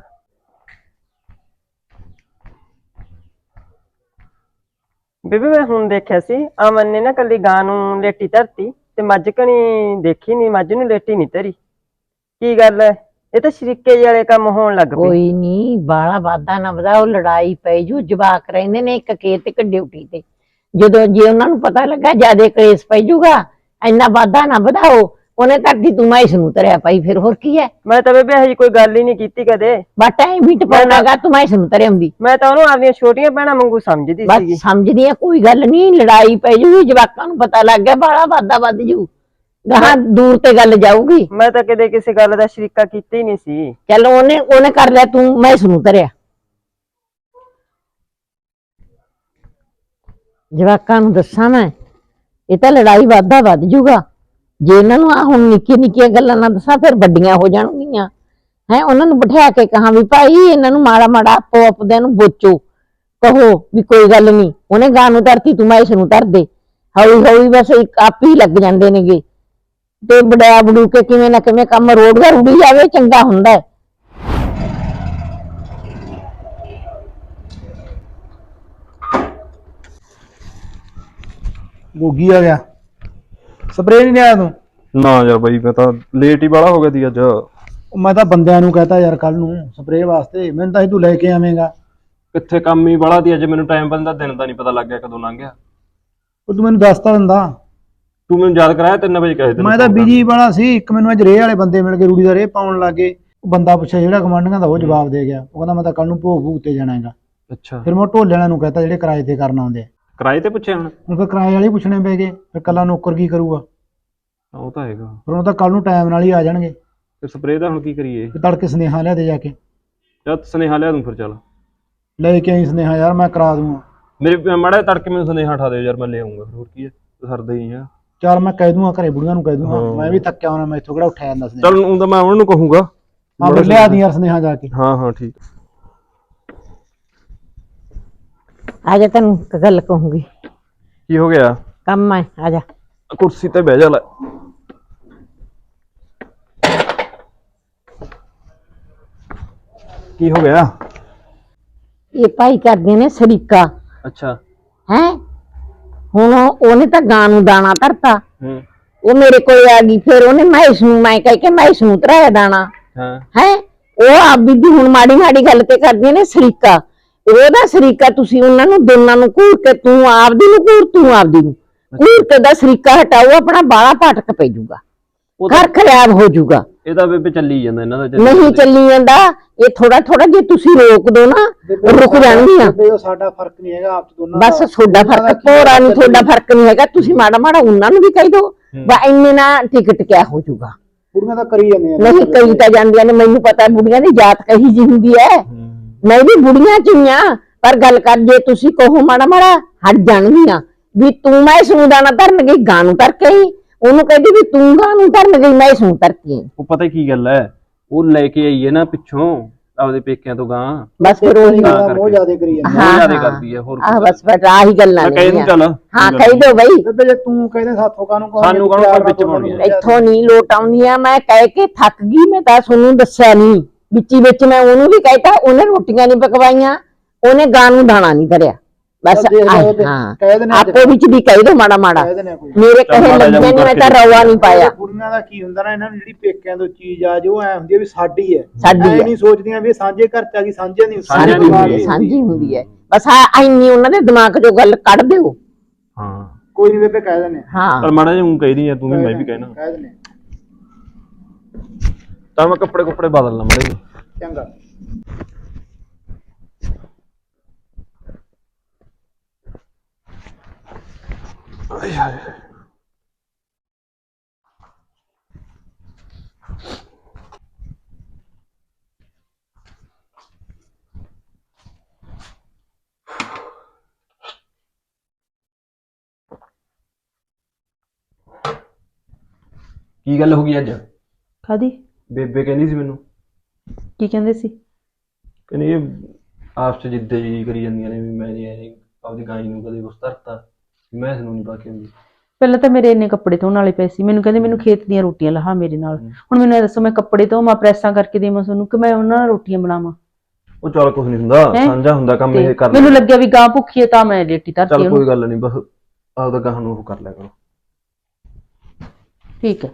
S3: ਬੇਬੇ ਮੈਂ ਹੁਣ ਦੇਖਿਆ ਸੀ, ਅਮਨ ਨੇ ਨਾ ਕੱਲੀ ਗਾਂ ਨੂੰ ਲੇਟੀ ਧਰਤੀ ਤੇ ਮੱਝ ਕਣੀ ਦੇਖੀ ਨਹੀਂ, ਮੱਝ ਨੂੰ ਲੇਟੀ ਨਹੀਂ ਧਰੀ। ਕੀ ਗੱਲ ਹੈ? ਇਹ ਤਾਂ ਸ਼ਰੀਕੇ ਜਿਹੇ ਵਾਲੇ ਕੰਮ ਹੋਣ ਲੱਗ ਪਏ।
S2: ਕੋਈ ਨਹੀਂ ਬਾਲਾ ਵਾਦਾ ਨਾ ਵਧਾ, ਉਹ ਲੜਾਈ ਪੈ ਜੂ। ਜਵਾਕ ਰਹਿੰਦੇ ਨੇ ਇੱਕ ਖੇਤ ਇੱਕ ਡਿਊਟੀ ਤੇ, ਜਦੋਂ ਜੇ ਉਹਨਾਂ ਨੂੰ ਪਤਾ ਲੱਗਾ ਜਿਆਦੇ ਕਲੇਸ਼ ਪੈ ਜੂਗਾ, ਇੰਨਾ ਵਾਦਾ ਨਾ ਵਧਾਓ। ਉਹਨੇ ਧਰਤੀ ਤੂੰ ਮੈਂ ਇਸ ਨੂੰ ਧਰਿਆ ਪਾਈ, ਫਿਰ ਹੋਰ ਕੀ ਹੈ?
S3: ਮੈਂ ਤਾਂ ਬੇਬੇ ਹਜੇ ਕੋਈ ਗੱਲ ਹੀ ਨਹੀਂ ਕੀਤੀ ਕਦੇ।
S2: ਬਾਟਾ ਹੀ ਵੀ ਟਪਾਉਣਾਗਾ, ਤੂੰ ਮੈਂ ਇਸ ਨੂੰ ਧਰਿਆ ਹੁੰਦੀ।
S3: ਮੈਂ ਤਾਂ ਉਹਨੂੰ ਆਪਣੀਆਂ ਛੋਟੀਆਂ ਭੈਣਾਂ ਵਾਂਗੂ ਸਮਝਦੀ ਸੀਗੀ।
S2: ਬਸ ਸਮਝਦੀ ਆ, ਕੋਈ ਗੱਲ ਨਹੀਂ, ਲੜਾਈ ਪੈ ਜੂਗੀ, ਜਵਾਕਾਂ ਨੂੰ ਪਤਾ ਲੱਗ ਗਿਆ, ਬਾਲਾ ਵਾਦਾ ਵੱਧ ਜੂ, ਗਾਹਾਂ ਦੂਰ ਤੇ ਗੱਲ ਜਾਊਗੀ।
S3: ਮੈਂ ਤਾਂ ਕਦੇ ਕਿਸੇ ਗੱਲ ਦਾ ਸ਼ਰੀਕਾ ਕੀਤਾ ਹੀ ਨਹੀਂ ਸੀ।
S2: ਚਲੋ ਉਹਨੇ ਉਹਨੇ ਕਰ ਲਿਆ, ਤੂੰ ਮੈਂ ਇਸ ਨੂੰ ਧਰਿਆ। ਜਵਾਕਾਂ ਨੂੰ ਦੱਸਾਂ ਮੈਂ, ਇਹ ਤਾਂ ਲੜਾਈ ਵਾਧਾ ਵੱਧ ਜੂਗਾ। ਜੇ ਇਹਨਾਂ ਨੂੰ ਆ ਹੁਣ ਨਿੱਕੀਆਂ ਨਿੱਕੀਆਂ ਗੱਲਾਂ ਨਾ ਦੱਸਾਂ, ਫਿਰ ਵੱਡੀਆਂ ਹੋ ਜਾਣਗੀਆਂ। ਹੈ ਉਹਨਾਂ ਨੂੰ ਬਿਠਾ ਕੇ ਕਹਾਂ ਵੀ ਭਾਈ ਇਹਨਾਂ ਨੂੰ ਮਾੜਾ ਮਾੜਾ ਆਪੋ ਆਪਦਿਆਂ ਨੂੰ ਬੋਚੋ, ਕਹੋ ਵੀ ਕੋਈ ਗੱਲ ਨਹੀਂ, ਉਹਨੇ ਗਾਂ ਨੂੰ ਧਰਤੀ ਤੂੰ ਮੈਂ ਇਸ ਨੂੰ ਧਰ ਦੇ। ਹੌਲੀ ਹੌਲੀ ਬਸ ਇੱਕ ਆਪ ਹੀ ਲੱਗ ਜਾਂਦੇ ਨੇਗੇ, ਤੇ ਬੜਿਆ ਬੜੂ ਕੇ ਕਿਵੇਂ ਨਾ ਕਿਵੇਂ ਕੰਮ ਰੋਡ ਦਾ ਰੁੜੀ ਜਾਵੇ, ਚੰਗਾ ਹੁੰਦਾ।
S4: ਗੋਗੀ ਆ ਗਿਆ, ਸਪਰੇਅ ਨਹੀਂ ਲਿਆਇਆ ਤੂੰ?
S1: ਨਾ ਯਾਰ ਬਾਈ, ਮੈਂ ਤਾਂ ਲੇਟ ਹੀ ਬਾਲਾ ਹੋ ਗਿਆ ਸੀ ਅੱਜ।
S4: ਉਹ ਮੈਂ ਤਾਂ ਬੰਦਿਆਂ ਨੂੰ ਕਹਤਾ ਯਾਰ ਕੱਲ ਨੂੰ ਸਪਰੇਅ ਵਾਸਤੇ, ਮੈਨੂੰ ਤਾਂ ਇਹ ਤੂੰ ਲੈ ਕੇ ਆਵੇਂਗਾ।
S1: ਕਿੱਥੇ ਕੰਮ ਹੀ ਬਾਲਾ ਦੀ ਅੱਜ, ਮੈਨੂੰ ਟਾਈਮ ਬੰਦਾ ਦਿਨ ਦਾ ਨਹੀਂ ਪਤਾ ਲੱਗ ਗਿਆ ਕਦੋਂ ਲੰਘ ਗਿਆ।
S4: ਉਹ ਤੂੰ ਮੈਨੂੰ ਦੱਸਤਾ ਦਿੰਦਾ।
S1: ਤੂੰ ਮੈਨੂੰ ਯਾਦ ਕਰਾਇਆ ਤਿੰਨ ਵਜੇ ਕਹੇ ਤੈਨੂੰ
S4: ਮੈਂ ਤਾਂ ਬਿਜੀ ਵਾਲਾ ਸੀ, ਇੱਕ ਮੈਨੂੰ ਅੱਜ ਰੇਹ ਵਾਲੇ ਬੰਦੇ ਮਿਲ ਕੇ ਰੂੜੀ ਦਾ ਰੇਹ ਪਾਉਣ ਲੱਗੇ, ਉਹ ਬੰਦਾ ਪੁੱਛਿਆ ਜਿਹੜਾ ਗਵਾਂਢੀਆਂ ਦਾ, ਉਹ ਜਵਾਬ ਦੇ ਗਿਆ। ਉਹ ਕਹਿੰਦਾ ਮੈਂ ਤਾਂ ਕੱਲ ਨੂੰ ਭੋਗ ਭੂਗ ਤੇ ਜਾਣਾ ਹੈਗਾ।
S1: ਅੱਛਾ,
S4: ਫਿਰ ਮੈਂ ਢੋਲੇ ਵਾਲਿਆਂ ਨੂੰ ਕਹਤਾ ਜਿਹੜੇ ਕਿਰਾਏ ਤੇ ਕਰਨ ਆਉਂਦੇ ਆ।
S1: ਕਿਰਾਏ ਤੇ ਪੁੱਛਿਆ ਹੁਣ?
S4: ਹੁਣ ਫਿਰ ਕਿਰਾਏ ਵਾਲੇ ਹੀ ਪੁੱਛਣੇ ਪੈ ਗਏ, ਫਿਰ ਕੱਲਾ ਨੌਕਰ ਕੀ ਕਰੂਗਾ?
S1: ਉਹ ਤਾਂ ਹੈਗਾ।
S4: ਫਿਰ ਉਹ ਤਾਂ ਕੱਲ ਨੂੰ ਟਾਈਮ ਨਾਲ ਹੀ ਆ ਜਾਣਗੇ।
S1: ਤੇ ਸਪਰੇਅ ਦਾ ਹੁਣ ਕੀ ਕਰੀਏ?
S4: ਤੇ ਤੜਕੇ ਸੁਨੇਹਾ ਲਿਆ ਦੇ ਜਾ ਕੇ,
S1: ਜਦ ਸੁਨੇਹਾ ਲਿਆ ਦੂੰ ਫਿਰ। ਚੱਲ
S4: ਲੈ ਕੇ ਆਈ ਸੁਨੇਹਾ ਯਾਰ, ਮੈਂ ਕਰਾ ਦੂੰਗਾ।
S1: ਮੇਰੇ ਮਾੜਾ ਜਿਹਾ ਤੜਕੇ ਮੈਨੂੰ ਸੁਨੇਹਾ ਉਠਾ ਦਿਓ ਯਾਰ, ਮੈਂ ਲੈ ਆਉਂਗਾ। ਹੋਰ ਕੀ ਹੈ, ਸਰਦਾ ਹੀ ਆ।
S4: ਚੱਲ ਮੈਂ ਕਹਿ ਦੂੰਗਾ ਘਰੇ ਬੁੜੀਆਂ ਨੂੰ ਕਹਿ ਦੂੰਗਾ,
S1: ਹਾਂ।
S4: ਮੈਂ ਵੀ ਥੱਕਿਆ ਹੋਣਾ, ਮੈਂ ਇੱਥੋਂ ਕਿਹੜਾ ਉੱਠਿਆ ਜਾਂਦਾ ਸੁਨੇਹਾ।
S1: ਚੱਲ ਉਹ ਤਾਂ ਮੈਂ ਉਹਨਾਂ ਨੂੰ ਕਹੂੰਗਾ।
S4: ਹਾਂ ਫਿਰ ਲਿਆ ਦੀ ਯਾਰ ਸੁਨੇਹਾ ਜਾ ਕੇ।
S1: ਹਾਂ ਹਾਂ ਠੀਕ।
S2: ਆ ਜਾ, ਤੈਨੂੰ ਇੱਕ ਗੱਲ ਕਹੂੰਗੀ।
S1: ਕੀ ਹੋ ਗਿਆ?
S2: ਕੰਮ ਹੈ, ਆ ਜਾ।
S1: ਕੁਰਸੀ ਤੇ ਬਹਿ ਜਾ ਲੈ। ਕੀ ਹੋ ਗਿਆ?
S2: ਇਹ ਭਾਈ ਕਰਦੇ ਨੇ ਸਰੀਕਾ
S1: ਅੱਛਾ।
S2: ਹੈ। ਹੁਣ ਉਹਨੇ ਤਾਂ ਗਾਂ ਨੂੰ ਦਾਣਾ ਧਰਤਾ,
S1: ਹੂੰ।
S2: ਉਹ ਮੇਰੇ ਕੋਲ ਆ ਗਈ, ਫਿਰ ਉਹਨੇ ਮੈਸ ਨੂੰ, ਮੈਂ ਕਹਿ ਕੇ ਮੈਸ ਨੂੰ ਧਰਾਇਆ ਦਾਣਾ।
S1: ਹਾਂ।
S2: ਹੈ ਉਹ ਆਪ ਬੀਬੀ ਹੁਣ ਮਾੜੀ ਮਾੜੀ ਗੱਲ ਤੇ ਕਰਦੀਆਂ ਨੇ ਸਰੀਕਾ। ਉਹਦਾ ਸਰੀਕਾ ਤੁਸੀਂ ਉਹਨਾਂ ਨੂੰ ਦੋਨਾਂ ਨੂੰ ਘੂਰ ਕੇ, ਤੂੰ ਆਪਦੀ ਨੂੰ ਘੂਰ, ਤੂੰ ਆਪਦੀ ਨੂੰ ਘੂਰ ਕੇ ਦਾ ਸਰੀਕਾ ਹਟਾਓ, ਆਪਣਾ ਬਾਲਾ ਪਾਟਕ ਪੈ ਜਾਊਗਾ, ਘਰ ਖਰਾਬ ਹੋ ਜਾਊਗਾ।
S1: ਇਹਦਾ ਬੇਬੇ ਚੱਲੀ ਜਾਂਦਾ ਇਹਨਾਂ ਦਾ, ਚੱਲੀ
S2: ਨਹੀਂ
S1: ਜਾਂਦਾ।
S2: ਚੱਲੀ ਜਾਂਦਾ ਇਹ ਥੋੜਾ ਥੋੜਾ, ਜੇ ਤੁਸੀਂ ਰੋਕ ਦੋ ਨਾ ਰੁਕ ਜਾਣਗੀਆਂ।
S4: ਬੇਬੇ ਸਾਡਾ ਫਰਕ ਨਹੀਂ ਹੈਗਾ ਆਪ ਚ ਦੋਨਾਂ
S2: ਬਸ ਤੁਹਾਡਾ ਫਰਕ ਭੋਰਾ ਨਹੀਂ, ਤੁਹਾਡਾ ਫਰਕ ਨਹੀਂ ਹੈਗਾ। ਤੁਸੀਂ ਮਾੜਾ ਮਾੜਾ ਉਹਨਾਂ ਨੂੰ ਵੀ ਕਹਿ ਦੋ, ਬਾ ਇੰਨੇ ਨਾ ਟਿਕਟ ਕਿਆ ਹੋ ਜਾਊਗਾ।
S4: ਬੁੜੀਆਂ ਤਾਂ ਕਰੀ ਜਾਂਦੀਆਂ ਨੇ।
S2: ਨਹੀਂ ਕਈ ਤਾਂ ਜਾਂਦੀਆਂ ਨੇ, ਮੈਨੂੰ ਪਤਾ ਬੁੜੀਆਂ ਦੀ ਜਾਤ ਕਹੀ ਜੀ ਹੁੰਦੀ ਹੈ। ਮੈਂ ਵੀ ਬੁੜੀਆਂ ਚ ਹੀ ਆ, ਪਰ ਗੱਲ ਕਰ ਜੇ ਤੁਸੀਂ ਕਹੋ ਮਾੜਾ ਮਾੜਾ ਹਟ ਜਾਣਗੀਆਂ। ਵੀ ਤੂੰ ਮੈਂ ਇਸਨੂੰ ਦਾਣਾ ਧਰਨ ਗਈ, ਗਾਂ ਨੂੰ ਧਰ ਕੇ ਆਈ। ਉਹਨੂੰ ਕਹਿੰਦੀ ਵੀ ਤੂੰ ਗਾਂ ਨੂੰ ਧਰਨ ਗਈ, ਮੈਂ ਇਸਨੂੰ ਧਰ ਕੇ ਆਈ।
S1: ਉਹ ਪਤਾ ਕੀ ਗੱਲ ਹੈ, ਉਹ ਲੈ ਕੇ ਆਈ ਹੈ ਨਾ ਪਿੱਛੋਂ ਆਪਦੇ ਪੇਕਿਆਂ ਤੋਂ ਗਾਂ।
S2: ਬਸ ਫਿਰ ਉਹੀ
S4: ਮੋਹ ਜ਼ਿਆਦਾ ਕਰੀ ਜਾਂਦੀ
S2: ਹਾਂ,
S1: ਜ਼ਿਆਦਾ
S2: ਹਾਂ।
S1: ਕਰਦੀ ਹੈ। ਹੋਰ
S2: ਆਹ ਬਸ ਫਿਰ ਆਹੀ ਗੱਲਾਂ
S1: ਮੈਂ
S2: ਨੇ।
S1: ਕਹਿ ਦੂੰ ਚੱਲ।
S2: ਹਾਂ ਕਹਿ ਦੋ ਬਈ।
S4: ਬੇਬੇ ਜੇ ਤੂੰ ਕਹਿੰਦੇ ਸਾਥੋਂ ਕਾਹਨੂੰ ਕਹੋਗੇ,
S1: ਸਾਨੂੰ ਕਾਹਨੂੰ
S4: ਪਿਆਰ
S1: ਕੋਈ ਵਿੱਚ
S4: ਨਾਲ
S1: ਪਾਉਣੀ ਹੈ।
S2: ਇੱਥੋਂ ਨਹੀਂ ਲੋਟ ਆਉਂਦੀਆਂ, ਮੈਂ ਕਹਿ ਕੇ ਥੱਕ ਗਈ। ਮੈਂ ਤਾਂ ਤੁਹਾਨੂੰ ਦੱਸਿਆ ਨਹੀਂ, ਵਿੱਚੀ ਵਿੱਚ ਮੈਂ ਉਹਨੂੰ ਵੀ ਕਹਿਤਾ, ਉਹਨੇ ਰੋਟੀਆਂ ਨਹੀਂ ਪਕਵਾਈਆਂ, ਉਹਨੇ ਗਾਂ ਨੂੰ ਦਾਣਾ ਨਹੀਂ ਧਰਿਆ। ਬਸ
S4: ਚੱਲ ਦੇਖ ਲਓ
S2: ਆਹੀ,
S4: ਤੇ
S2: ਹਾਂ
S4: ਕਹਿ ਦੇਣੇ ਅੱਜ।
S2: ਆਪੋ ਵਿੱਚ ਵੀ ਕਹਿ ਦੋ ਮਾੜਾ ਮਾੜਾ।
S4: ਕਹਿ ਦੇਣੇ ਕੋਈ।
S2: ਮੇਰੇ
S1: ਚੱਲ
S2: ਕਹੇ
S1: ਮਾੜਾ ਜਿਹਾ
S2: ਲੱਗਿਆ ਨਹੀਂ, ਮੈਂ ਤਾਂ ਰੌਲਾ ਨਹੀਂ ਪਾਇਆ।
S4: ਬੁੜੀਆਂ ਦਾ ਕੀ ਹੁੰਦਾ ਨਾ, ਇਹਨਾਂ ਨੂੰ ਜਿਹੜੀ ਪੇਕਿਆਂ ਤੋਂ ਚੀਜ਼ ਆ ਜੋ ਐ ਹੁੰਦੀ ਹੈ ਵੀ ਸਾਡੀ ਹੈ,
S2: ਸਾਡੀ
S4: ਐ
S2: ਹੈ।
S4: ਨਹੀਂ ਸੋਚਦੀਆਂ ਵੀ ਇਹ ਸਾਂਝੇ ਘਰ ਚ ਆ ਗਈ, ਸਾਂਝੇ ਨਹੀਂ
S1: ਸਾਂਝੇ ਨਹੀਂ ਹੁੰਦੀ।
S2: ਸਾਂਝੀ ਹੁੰਦੀ ਹੈ। ਬਸ ਆ ਇੰਨੀ ਉਹਨਾਂ ਦੇ ਦਿਮਾਗ ਚੋਂ ਗੱਲ ਕੱਢ ਦਿਓ।
S1: ਹਾਂ
S4: ਕੋਈ ਨਹੀਂ ਬੇਬੇ ਕਹਿ ਦਿੰਦੇ
S2: ਹਾਂ
S1: ਪਰ ਮਾੜਾ ਜਿਹਾ ਊਂ ਕਹਿਦੀ ਆ ਤੂੰ ਵੀ, ਮੈਂ ਵੀ ਕਹਿਣਾ।
S4: ਕਹਿ ਦਿੰਦੇ
S1: ਤਾਂ ਮੈਂ ਕੱਪੜੇ ਕੁੱਪੜੇ ਬਦਲ ਲਾਂ ਮਾੜੇ ਜਿਹੇ।
S4: ਚੰਗਾ।
S1: ਆਏ ਹਾਏ। ਕੀ ਗੱਲ ਹੋ ਗਈ ਅੱਜ?
S5: ਕਾਦੀ?
S1: ਬੇਬੇ ਕਹਿੰਦੀ ਸੀ ਮੈਨੂੰ,
S5: ਕੀ ਕਹਿੰਦੇ ਸੀ?
S1: ਕਹਿੰਦੀ ਇਹ ਆਪਸ ਚ ਜਿੱਦੇ ਜੀ ਕਰੀ ਜਾਂਦੀਆਂ ਨੇ ਵੀ ਮੈਂ ਜੀ ਐਂ ਆਪਦੀ ਗਾਈ ਨੂੰ ਕਦੇ ਕੁਛ ਧਰਤਾ, ਮੈਂ ਇਸ ਨੂੰ ਨਹੀਂ ਪਾ ਕੇ ਆਉਂਦੀ।
S5: ਪਹਿਲਾਂ ਤਾਂ ਮੇਰੇ ਇੰਨੇ ਕੱਪੜੇ ਧੋਣ ਵਾਲੇ ਪਏ ਸੀ, ਮੈਨੂੰ ਕਹਿੰਦੇ ਮੈਨੂੰ ਖੇਤ ਦੀਆਂ ਰੋਟੀਆਂ ਲਾਹਾ ਮੇਰੇ ਨਾਲ। ਹੁਣ ਮੈਨੂੰ ਇਹ ਦੱਸੋ, ਮੈਂ ਕੱਪੜੇ ਧੋਵਾਂ, ਪ੍ਰੈਸਾਂ ਕਰਕੇ ਦੇਵਾਂ ਤੁਹਾਨੂੰ, ਕਿ ਮੈਂ ਉਹਨਾਂ ਨਾਲ ਰੋਟੀਆਂ ਬਣਾਵਾਂ?
S1: ਉਹ ਚੱਲ ਕੁਛ ਨਹੀਂ ਹੁੰਦਾ,
S5: ਹੈਂ?
S1: ਸਾਂਝਾ ਹੁੰਦਾ ਕੰਮ, ਇਹ ਕਰ
S5: ਮੈਨੂੰ
S1: ਲੈ।
S5: ਲੱਗਿਆ ਵੀ ਗਾਂ ਭੁੱਖੀ ਹੈ ਤਾਂ ਮੈਂ ਲੇਟੀ ਧਰਤੀ
S1: ਚੱਲ
S5: ਉਹਨੂੰ।
S1: ਕੋਈ ਗੱਲ ਨਹੀਂ, ਬਸ ਆਪਦਾ ਗਾਹ ਨੂੰ ਉਹ ਕਰ ਲਿਆ ਕਰੋ।
S5: ਠੀਕ ਹੈ।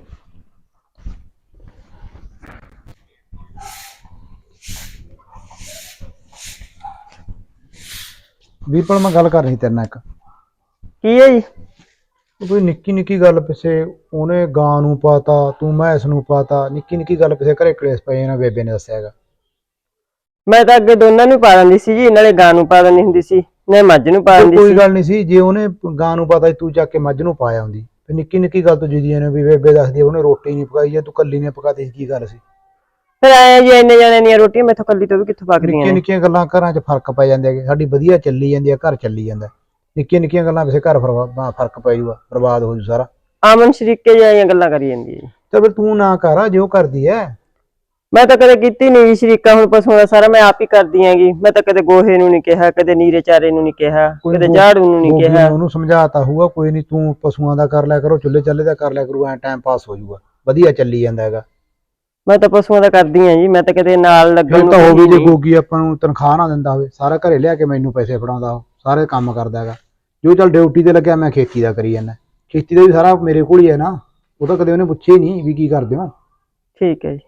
S4: ਵੀਰਪਾਲ ਮੈਂ ਗੱਲ ਕਰ ਰਹੀ ਤੇਰੇ ਨਾਲ ਇੱਕ।
S3: ਕੀ ਹੈ ਜੀ?
S4: ਕੋਈ ਨਿੱਕੀ ਨਿੱਕੀ ਗੱਲ ਪਿੱਛੇ ਉਹਨੇ ਗਾਂ ਨੂੰ ਪਾਤਾ, ਤੂੰ ਮੈਸ ਨੂੰ ਪਾਤਾ, ਨਿੱਕੀ ਨਿੱਕੀ ਗੱਲ ਪਿੱਛੇ ਘਰੇ ਕਲੇਸ਼ ਪਏ ਨਾ, ਬੇਬੇ ਨੇ ਦੱਸਿਆ ਹੈਗਾ।
S3: ਮੈਂ ਤਾਂ ਅੱਗੇ ਦੋਨਾਂ ਨੂੰ ਪਾ ਦਿੰਦੀ ਸੀ ਜੀ, ਨਾਲੇ ਗਾਂ ਨੂੰ ਪਾ ਦਿੰਦੀ ਹੁੰਦੀ ਸੀ, ਨਾਲੇ ਮੱਝ ਨੂੰ ਪਾ ਦਿੰਦੀ
S4: ਕੋਈ
S3: ਸੀ।
S4: ਗੱਲ ਨਹੀਂ ਸੀ, ਜੇ ਉਹਨੇ ਗਾਂ ਨੂੰ ਪਾਤਾ ਤੂੰ ਚੱਕ ਕੇ ਮੱਝ ਨੂੰ ਪਾਇਆ ਹੁੰਦੀ। ਤੇ ਨਿੱਕੀ ਨਿੱਕੀ ਗੱਲ ਤੋਂ ਜਿੱਦੀਆਂ ਨੇ ਵੀ ਬੇਬੇ ਦੱਸਦੀ ਉਹਨੇ ਰੋਟੀ ਨਹੀਂ ਪਕਾਈ, ਜਾਂ ਤੂੰ ਕੱਲੀ ਨੇ ਪਕਾਤੀ ਸੀ, ਕੀ ਗੱਲ ਸੀ?
S3: ਫਿਰ ਆਏ ਜੀ ਇੰਨੇ ਜਾਣੇ ਦੀਆਂ ਰੋਟੀਆਂ ਮੈਥੋਂ ਕੱਲੀ ਤੋਂ ਵੀ ਕਿੱਥੋਂ ਪੱਕਦੀਆਂ
S4: ਨਿੱਕੀਆਂ
S3: ਨੇ?
S4: ਨਿੱਕੀਆਂ ਗੱਲਾਂ ਘਰਾਂ 'ਚ ਫਰਕ ਪੈ ਜਾਂਦੇ ਹੈਗੇ। ਸਾਡੀ ਵਧੀਆ ਚੱਲੀ ਜਾਂਦੀ ਹੈ, ਘਰ ਚੱਲੀ ਜਾਂਦਾ। ਨਿੱਕੀਆਂ ਨਿੱਕੀਆਂ ਗੱਲਾਂ ਵੈਸੇ ਘਰ ਫਰਵਾ- ਫਰਕ ਪੈ ਜੂਗਾ, ਬਰਬਾਦ ਹੋ ਜੂ ਸਾਰਾ।
S3: ਆਮਨ ਸ਼ਰੀਕੇ ਜਿਹੀਆਂ ਗੱਲਾਂ ਕਰੀ ਜਾਂਦੀ ਹੈ ਜੀ।
S4: ਚੱਲ ਫਿਰ ਤੂੰ ਨਾ ਕਰ ਜੋ ਕਰਦੀ ਐ।
S3: ਮੈਂ ਤਾਂ ਕਦੇ ਕੀਤੀ ਨਹੀਂ ਜੀ ਸ਼ਰੀਕਾ, ਹੁਣ ਪਸ਼ੂਆਂ ਦਾ ਸਾਰਾ ਮੈਂ ਆਪ ਹੀ ਕਰਦੀ ਆਂਗੀ। ਮੈਂ ਤਾਂ ਕਦੇ ਗੋਹੇ ਨੂੰ ਨਹੀਂ ਕਿਹਾ, ਕਦੇ ਨੀਰੇ ਚਾਰੇ ਨੂੰ ਨਹੀਂ ਕਿਹਾ, ਕਦੇ ਝਾੜੂ ਨੂੰ ਨਹੀਂ ਕਿਹਾ।
S4: ਉਹਨੂੰ ਸਮਝਾਤਾ ਹੋਊਗਾ, ਕੋਈ ਨਹੀਂ ਤੂੰ ਪਸ਼ੂਆਂ ਦਾ ਕਰ ਲਿਆ ਕਰੋ, ਚੁੱਲ੍ਹੇ ਚੱਲੇ ਦਾ ਕਰ ਲਿਆ ਕਰੂ, ਐ ਟਾਈਮ ਪਾਸ ਹੋ ਜੂਗਾ, ਵਧੀਆ ਚੱਲੀ ਜਾਂਦਾ ਹੈਗਾ।
S3: ਮੈਂ ਤਾਂ ਪਸ਼ੂਆਂ ਦਾ ਕਰਦੀ ਆਂ ਜੀ, ਮੈਂ ਤਾਂ ਕਦੇ ਨਾਲ ਲੱਗਣ
S4: ਫਿਰ
S3: ਨੂੰ
S4: ਤਾਂ ਹੋਵੇ ਜੇ
S3: ਨਹੀਂ।
S4: ਗੋਗੀ ਆਪਾਂ ਨੂੰ ਤਨਖਾਹ ਨਾ ਦਿੰਦਾ ਹੋਵੇ, ਸਾਰਾ ਘਰੇ ਲਿਆ ਕੇ ਮੈਨੂੰ ਪੈਸੇ ਫੜਾਉਂਦਾ, ਉਹ ਸਾਰੇ ਕੰਮ ਕਰਦਾ ਹੈਗਾ। ਜੋ ਚੱਲ ਡਿਊਟੀ ਤੇ ਲੱਗਿਆ, ਮੈਂ ਖੇਤੀ ਦਾ ਕਰੀ ਜਾਂਦਾ। ਖੇਤੀ ਦਾ ਵੀ ਸਾਰਾ ਮੇਰੇ ਕੋਲ ਹੀ ਹੈ ਨਾ, ਉਹ ਤਾਂ ਕਦੇ ਉਹਨੇ ਪੁੱਛਿਆ ਹੀ ਨਹੀਂ ਵੀ ਕੀ ਕਰਦੇ ਹੋ।
S3: ਠੀਕ ਹੈ ਜੀ।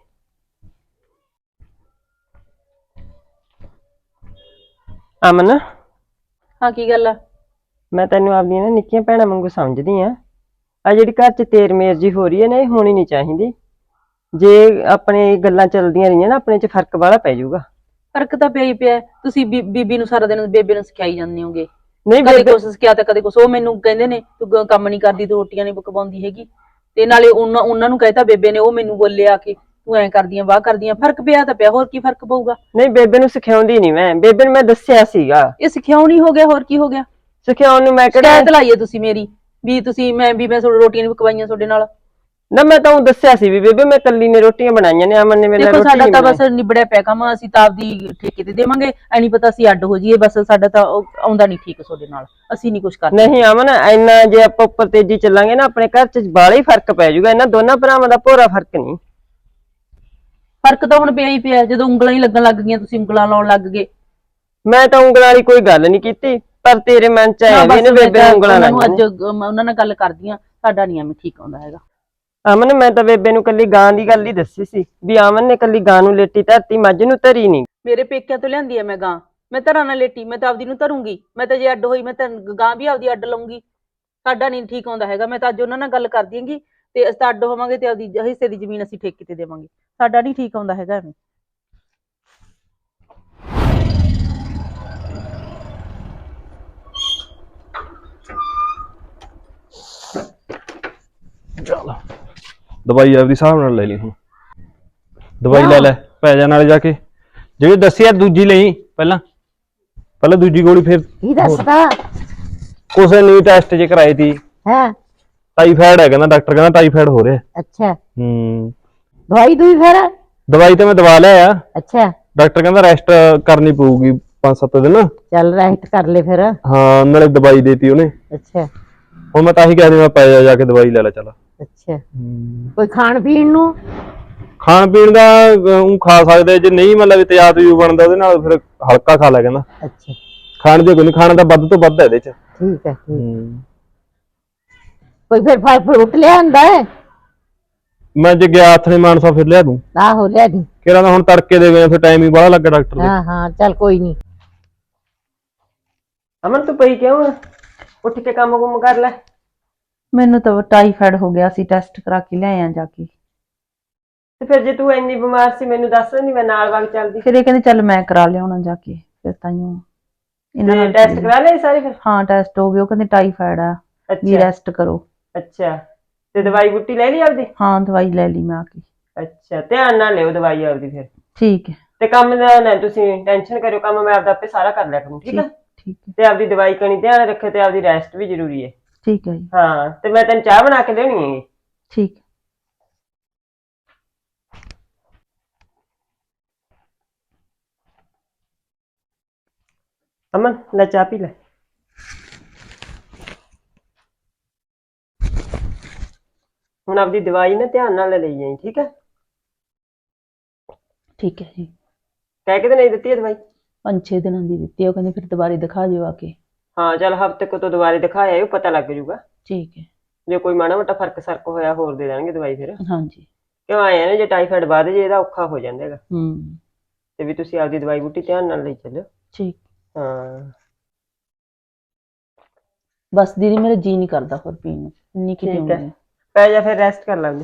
S3: ਅਮਨ,
S5: ਹਾਂ ਕੀ ਗੱਲ ਆ?
S3: ਮੈਂ ਤੈਨੂੰ ਆਪਦੀਆਂ ਨਾ ਨਿੱਕੀਆਂ ਭੈਣਾਂ ਵਾਂਗੂ ਸਮਝਦੀ ਆ। ਆ ਜਿਹੜੀ ਘਰ 'ਚ ਤੇਰ ਮੇਰ ਜੀ ਹੋ ਰਹੀ ਹੈ ਨਾ, ਇਹ ਹੋਣੀ ਨਹੀਂ ਚਾਹੀਦੀ। ਜੇ ਆਪਣੇ ਗੱਲਾਂ ਚੱਲਦੀਆਂ ਰਹੀਆਂ ਨਾ ਆਪਣੇ 'ਚ ਫਰਕ ਵਾਲਾ ਪੈ ਜਾਊਗਾ।
S5: ਫਰਕ ਤਾਂ ਪਿਆ ਹੀ ਪਿਆ ਹੈ। ਤੁਸੀਂ ਬੀ- ਬੀਬੀ ਨੂੰ ਸਾਰਾ ਦਿਨ ਬੇਬੇ ਨੂੰ ਸਿਖਾਈ ਜਾਂਦੇ ਹੋਗੇ,
S3: ਨਹੀਂ
S5: ਕਦੇ
S3: ਬੇਬੇ
S5: ਕੁਛ ਸਿਖਾਇਆ ਤਾਂ ਕਦੇ ਕੁਛ। ਉਹ ਮੈਨੂੰ ਕਹਿੰਦੇ ਨੇ ਤੂੰ ਗ- ਕੰਮ ਨਹੀਂ ਕਰਦੀ, ਤੂੰ ਰੋਟੀਆਂ ਨਹੀਂ ਪਕਾਉਂਦੀ ਹੈਗੀ, ਤੇ ਨਾਲੇ ਉਹਨਾਂ ਉਹਨਾਂ ਨੂੰ ਕਹਿਤਾ ਬੇਬੇ ਨੇ, ਉਹ ਮੈਨੂੰ ਬੋਲੇ ਆ ਕੇ ਤੂੰ ਐਂ ਕਰਦੀਆਂ ਵਾਹ ਕਰਦੀਆਂ। ਫਰਕ ਪਿਆ ਤਾਂ ਪਿਆ, ਹੋਰ ਕੀ ਫਰਕ ਪਊਗਾ।
S3: ਨਹੀਂ ਬੇਬੇ ਨੂੰ ਸਿਖਾਉਂਦੀ ਨਹੀਂ ਮੈਂ, ਬੇਬੇ ਨੂੰ ਮੈਂ ਦੱਸਿਆ ਸੀਗਾ।
S5: ਇਹ ਸਿਖਾਉਣੀ ਹੋ ਗਿਆ, ਹੋਰ ਕੀ ਹੋ ਗਿਆ।
S3: ਸਿਖਾਉਣ ਨੂੰ ਮੈਂ ਕਿਹੜਾ
S5: ਸ਼ਿਕਾਇਤ ਲਾਈਏ ਤੁਸੀਂ ਮੇਰੀ ਵੀ ਤੁਸੀਂ ਮੈਂ ਵੀ ਮੈਂ ਤੁਹਾਡੀ ਰੋਟੀਆਂ ਨਹੀਂ ਪਕਵਾਈਆਂ ਤੁਹਾਡੇ ਨਾਲ।
S3: ਨਾ ਮੈਂ ਤਾਂ ਉਹ ਦੱਸਿਆ ਸੀ ਵੀ ਬੇਬੇ ਮੈਂ ਕੱਲੀ ਨੇ ਰੋਟੀਆਂ ਬਣਾਈਆਂ ਨੇ, ਅਮਨ ਨੇ ਮੇਰੇ ਨਾਲ
S5: ਦੇਖੋ
S3: ਰੋਟੀ
S5: ਸਾਡਾ
S3: ਨਹੀਂ
S5: ਤਾਂ
S3: ਬਣਾਈ।
S5: ਬਸ ਨਿਬੜਿਆ ਪਿਆ ਕੰਮ, ਅਸੀਂ ਤਾਂ ਆਪਦੀ ਠੇਕੇ ਤੇ ਦੇਵਾਂਗੇ, ਐ ਨਹੀਂ ਪਤਾ ਅਸੀਂ ਅੱਡ ਹੋ ਜਾਈਏ। ਬਸ ਸਾਡਾ ਤਾਂ ਉਹ ਆਉਂਦਾ ਨਹੀਂ ਠੀਕ ਤੁਹਾਡੇ ਨਾਲ, ਅਸੀਂ ਨਹੀਂ ਕੁਛ ਕਰਦੇ।
S3: ਨਹੀਂ ਅਮਨ ਇੰਨਾ ਜੇ ਆਪਾਂ ਉੱਪਰ ਤੇਜ਼ੀ ਚੱਲਾਂਗੇ ਨਾ ਆਪਣੇ ਘਰ 'ਚ ਬਾਹਲਾ ਹੀ ਫਰਕ ਪੈ ਜਾਊਗਾ। ਇਹਨਾਂ ਦੋਨਾਂ ਭਰਾਵਾਂ ਦਾ ਭੋਰਾ ਫਰਕ ਨਹੀਂ।
S5: ਫਰਕ ਤਾਂ ਹੁਣ ਪਿਆ ਹੀ ਪਿਆ, ਜਦੋਂ ਉਂਗਲਾਂ ਹੀ ਲੱਗਣ ਲੱਗ ਗਈਆਂ ਤੁਸੀਂ ਉਂਗਲਾਂ ਲਾਉਣ ਲੱਗ ਗਏ।
S3: ਮੈਂ ਤਾਂ ਉਂਗਲਾਂ ਵਾਲੀ ਕੋਈ ਗੱਲ ਨਹੀਂ ਕੀਤੀ, ਪਰ ਤੇਰੇ ਮਨ 'ਚ ਆਇਆ ਵੀ ਇਹਨੇ ਬੇਬੇ ਨੂੰ ਉਂਗਲਾਂ
S5: ਉਹਨਾਂ ਨੂੰ
S3: ਲਾਈਆਂ
S5: ਅੱਜ ਅਮ, ਉਹਨਾਂ ਨਾਲ ਗੱਲ ਕਰਦੀਆਂ, ਸਾਡਾ ਨਹੀਂ ਐਵੇਂ ਠੀਕ ਆਉਂਦਾ ਹੈਗਾ।
S3: ਅਮਨ ਮੈਂ ਤਾਂ ਬੇਬੇ ਨੂੰ ਕੱਲੀ ਗਾਂ ਦੀ ਗੱਲ ਹੀ ਦੱਸੀ ਸੀ ਵੀ ਅਮਨ ਨੇ ਕੱਲੀ ਗਾਂ ਨੂੰ ਲੇਟੀ ਧਰਤੀ, ਮੱਝ ਨੂੰ ਧਰੀ ਨਹੀਂ।
S5: ਮੇਰੇ ਪੇਕਿਆਂ ਤੋਂ ਲਿਆਂਦੀ ਐ ਮੈਂ ਗਾਂ, ਮੈਂ ਧਰਾਂ ਨਾਲ ਲੇਟੀ, ਮੈਂ ਤਾਂ ਆਪਦੀ ਨੂੰ ਧਰੂੰਗੀ। ਮੈਂ ਤਾਂ ਜੇ ਅੱਡ ਹੋਈ ਮੈਂ ਤਾਂ ਗਾਂ ਵੀ ਆਪਦੀ ਅੱਡ ਲਊਂਗੀ। ਸਾਡਾ ਨਹੀਂ ਠੀਕ ਆਉਂਦਾ ਹੈਗਾ। ਮੈਂ ਤਾਂ ਅੱਜ ਉਹਨਾਂ ਨਾਲ ਗੱਲ ਕਰ ਦਿਆਂਗੀ ਤੇ ਅਸੀਂ ਤਾਂ ਅੱਡ ਹੋਵਾਂਗੇ ਤੇ ਆਪਦੀ ਹਿੱਸੇ ਦੀ ਜ਼ਮੀਨ ਅਸੀਂ ਠੇਕੇ ਤੇ ਦੇਵਾਂਗੇ। ਸਾਡਾ ਨਹੀਂ ਠੀਕ ਆਉਂਦਾ ਹੈਗਾ ਐਵੇਂ।
S1: ਚੱਲ ਦਵਾਈ ਆਪਦੀ ਹਿਸਾਬ ਨਾਲ ਲੈ ਲਈ ਹੁਣ। ਦਵਾਈ ਲੈ ਲੈ ਪੈ ਜਾ ਨਾਲੇ ਜਾ ਕੇ, ਜਿਹੜੀ ਦੱਸੀ ਆ ਦੂਜੀ ਲਈ ਪਹਿਲਾਂ ਪਹਿਲਾਂ ਦੂਜੀ ਗੋਲੀ, ਫਿਰ
S2: ਕੀ ਦੱਸਦਾ
S1: ਕੁਛ ਨਹੀਂ ਟੈਸਟ ਜੇ ਕਰਾਏ ਤੀ,
S2: ਹੈ?
S1: ਟਾਈਫਾਇਡ ਹੈ ਕਹਿੰਦਾ ਡਾਕਟਰ, ਕਹਿੰਦਾ ਟਾਈਫਾਇਡ ਹੋ ਰਿਹਾ।
S2: ਅੱਛਾ,
S1: ਹੂੰ
S2: ਦਵਾਈ ਦੂਈ ਫਿਰ?
S1: ਦਵਾਈ ਤਾਂ ਮੈਂ ਦਵਾ ਲਿਆ ਆ,
S2: ਅੱਛਾ,
S1: ਡਾਕਟਰ ਕਹਿੰਦਾ ਰੈਸਟ ਕਰਨੀ ਪਊਗੀ ਪੰਜ ਸੱਤ ਦਿਨ।
S2: ਚੱਲ ਰੈਸਟ ਕਰ ਲੈ ਫਿਰ।
S1: ਹਾਂ ਨਾਲੇ ਦਵਾਈ ਦੇਤੀ ਉਹਨੇ।
S2: ਅੱਛਾ
S1: ਹੁਣ ਮੈਂ ਤਾਂ ਹੀ ਕਹਿ ਦਿੰਦਾ ਪੈ ਜਾ ਜਾ ਕੇ ਦਵਾਈ ਲੈ ਲੈ ਚੱਲ।
S2: ਅੱਛਾ, ਕੋਈ ਖਾਣ ਪੀਣ ਨੂੰ?
S1: ਖਾਣ ਪੀਣ ਦਾ ਉਹ ਖਾ ਸਕਦੇ, ਜੇ ਨਹੀਂ ਮਤਲਬ ਤੇਜ਼ਾਬ ਤਜੂਬ ਬਣਦਾ ਉਹਦੇ ਨਾਲ ਫਿਰ ਹਲਕਾ ਖਾ ਲੈ ਕਹਿੰਦਾ।
S2: ਅੱਛਾ,
S1: ਖਾਣ ਦੇ ਕੋਈ ਨਹੀਂ, ਖਾਣਾ ਤਾਂ ਵੱਧ ਤੋਂ ਵੱਧ ਹੈ ਇਹਦੇ ਚ।
S2: ਠੀਕ ਹੈ, ਠੀਕ।
S1: ਹੂੰ
S2: ਕੋਈ ਫਿਰ ਫਲ ਫਰੂਟ ਲਿਆਂਦਾ ਹੈ?
S1: ਮੈਂ ਜੇ ਗਿਆ ਹੱਥ ਨੇ ਮਾਨਸਾ ਫਿਰ ਲਿਆ ਦੂੰ।
S2: ਆਹੋ ਲਿਆ ਦੀ।
S1: ਕਿਹੜਾ ਤਾਂ ਹੁਣ ਤੜਕੇ ਦੇ ਗਏ, ਫਿਰ ਟਾਈਮ ਹੀ ਬੜਾ ਲੱਗਾ ਡਾਕਟਰ ਦੇ।
S2: ਹਾਂ ਹਾਂ ਚੱਲ ਕੋਈ ਨਹੀਂ।
S3: ਅਮਨ ਤੂੰ ਪਈ ਕਿਉਂ ਆ? ਉੱਠ ਕੇ ਕੰਮ ਕੁੰਮ ਕਰ ਲੈ।
S5: ਮੈਨੂੰ ਤਾਂ ਟਾਈਫਾਇਡ ਹੋ ਗਿਆ ਸੀ, ਟੈਸਟ ਕਰਾ ਕੇ ਲਿਆਏ ਆ ਜਾ ਕੇ।
S3: ਤੇ ਫਿਰ ਜੇ ਤੂੰ ਇੰਨੀ ਬਿਮਾਰ ਸੀ ਮੈਨੂੰ ਦੱਸ ਦਿੰਦੀ, ਮੈਂ ਨਾਲ ਵਗ ਚੱਲਦੀ।
S5: ਫਿਰ ਇਹ ਕਹਿੰਦੇ ਚੱਲ ਮੈਂ ਕਰਾ ਲਿਆਉਣਾ ਜਾ ਕੇ, ਫਿਰ ਤਾਈਓ ਇਹਨਾਂ ਨਾਲ
S3: ਟੈਸਟ ਕਰਾ ਲਏ ਸਾਰੇ ਫਿਰ?
S5: ਹਾਂ ਟੈਸਟ ਹੋ ਗਏ, ਉਹ ਕਹਿੰਦੇ ਟਾਈਫਾਇਡ ਆ ਵੀ
S3: ਅੱਛਾ
S5: ਰੈਸਟ ਕਰੋ।
S3: ਅੱਛਾ, ਤੇ ਦਵਾਈ ਬੂਟੀ ਲੈ ਲਈ ਆਪਦੀ?
S5: ਹਾਂ ਦਵਾਈ ਲੈ ਲਈ ਮੈਂ ਆ ਕੇ।
S3: ਅੱਛਾ, ਧਿਆਨ ਨਾਲ ਲਿਓ ਦਵਾਈ ਆਪਦੀ ਫਿਰ।
S5: ਠੀਕ ਹੈ
S3: ਤੇ ਕੰਮ ਦਾ ਨਾ ਤੁਸੀਂ ਟੈਨਸ਼ਨ ਕਰਿਓ, ਕੰਮ ਮੈਂ ਆਪਦਾ ਆਪੇ ਸਾਰਾ ਕਰ ਲਿਆ ਕਰੂੰ, ਠੀਕ ਹੈ?
S5: ਠੀਕ ਹੈ
S3: ਤੇ ਆਪਦੀ ਦਵਾਈ ਕਣੀ ਧਿਆਨ ਰੱਖਿਓ, ਤੇ ਆਪਦੀ ਰੈਸਟ ਵੀ ਜ਼ਰੂਰੀ ਹੈ।
S5: ਠੀਕ ਹੈ ਜੀ।
S3: ਹਾਂ ਤੇ ਮੈਂ ਤੈਨੂੰ ਚਾਹ ਬਣਾ ਕੇ ਲਿਆਉਣੀ ਹੈਗੀ।
S5: ਠੀਕ।
S3: ਅਮਨ ਲੈ ਚਾਹ ਪੀ ਲੈ। ਹੁਣ ਆਪਦੀ ਦਵਾਈ ਨਾ ਧਿਆਨ ਨਾਲ ਲਈ ਜਾਈ, ਠੀਕ ਹੈ?
S5: ਠੀਕ ਹੈ ਜੀ।
S3: ਕਹਿ ਕੇ ਤੇ ਨਹੀਂ ਦਿੱਤੀ ਹੈ ਦਵਾਈ?
S5: ਪੰਜ ਛੇ ਦਿਨਾਂ ਦੀ ਦਿੱਤੀ, ਉਹ ਕਹਿੰਦੇ ਫਿਰ ਦੁਬਾਰੇ ਦਿਖਾ ਜਿਓ ਆ ਕੇ।
S3: ਹਾਂ ਚੱਲ ਹਫ਼ਤੇ ਕੋ ਤੋਂ ਦੁਬਾਰੇ ਦਿਖਾਇਆ ਆਇਓ, ਪਤਾ ਲੱਗ ਜੂਗਾ।
S5: ਠੀਕ ਹੈ।
S3: ਜੇ ਕੋਈ ਮਾੜਾ ਮੋਟਾ ਫਰਕ ਸਰਕ ਹੋਇਆ ਹੋਰ ਦੇ ਦੇਣਗੇ ਦਵਾਈ ਫਿਰ।
S5: ਹਾਂਜੀ।
S3: ਕਿਉਂ ਆਏ ਨੇ ਜੇ ਟਾਈਫਾਇਡ ਵੱਧ ਜੇ ਇਹਦਾ ਔਖਾ ਹੋ ਜਾਂਦਾ ਹੈਗਾ।
S5: ਹੂੰ
S3: ਤੇ ਵੀ ਤੁਸੀਂ ਆਪਦੀ ਦਵਾਈ ਬੂਟੀ ਧਿਆਨ ਨਾਲ ਲਈ ਚੱਲਿਓ।
S5: ਠੀਕ।
S3: ਹਾਂ
S5: ਬਸ ਦੀਦੀ ਮੇਰਾ ਜੀ ਨਹੀਂ ਕਰਦਾ ਹੋਰ ਪੀਣ ਨੂੰ, ਇੰਨੀ ਕੀ
S3: ਠੀਕ
S5: ਪੀਉਂਗੀ।
S3: ਹੈ, ਪੈ ਜਾ ਫਿਰ ਰੈਸਟ ਕਰ ਲਾਂਗੇ।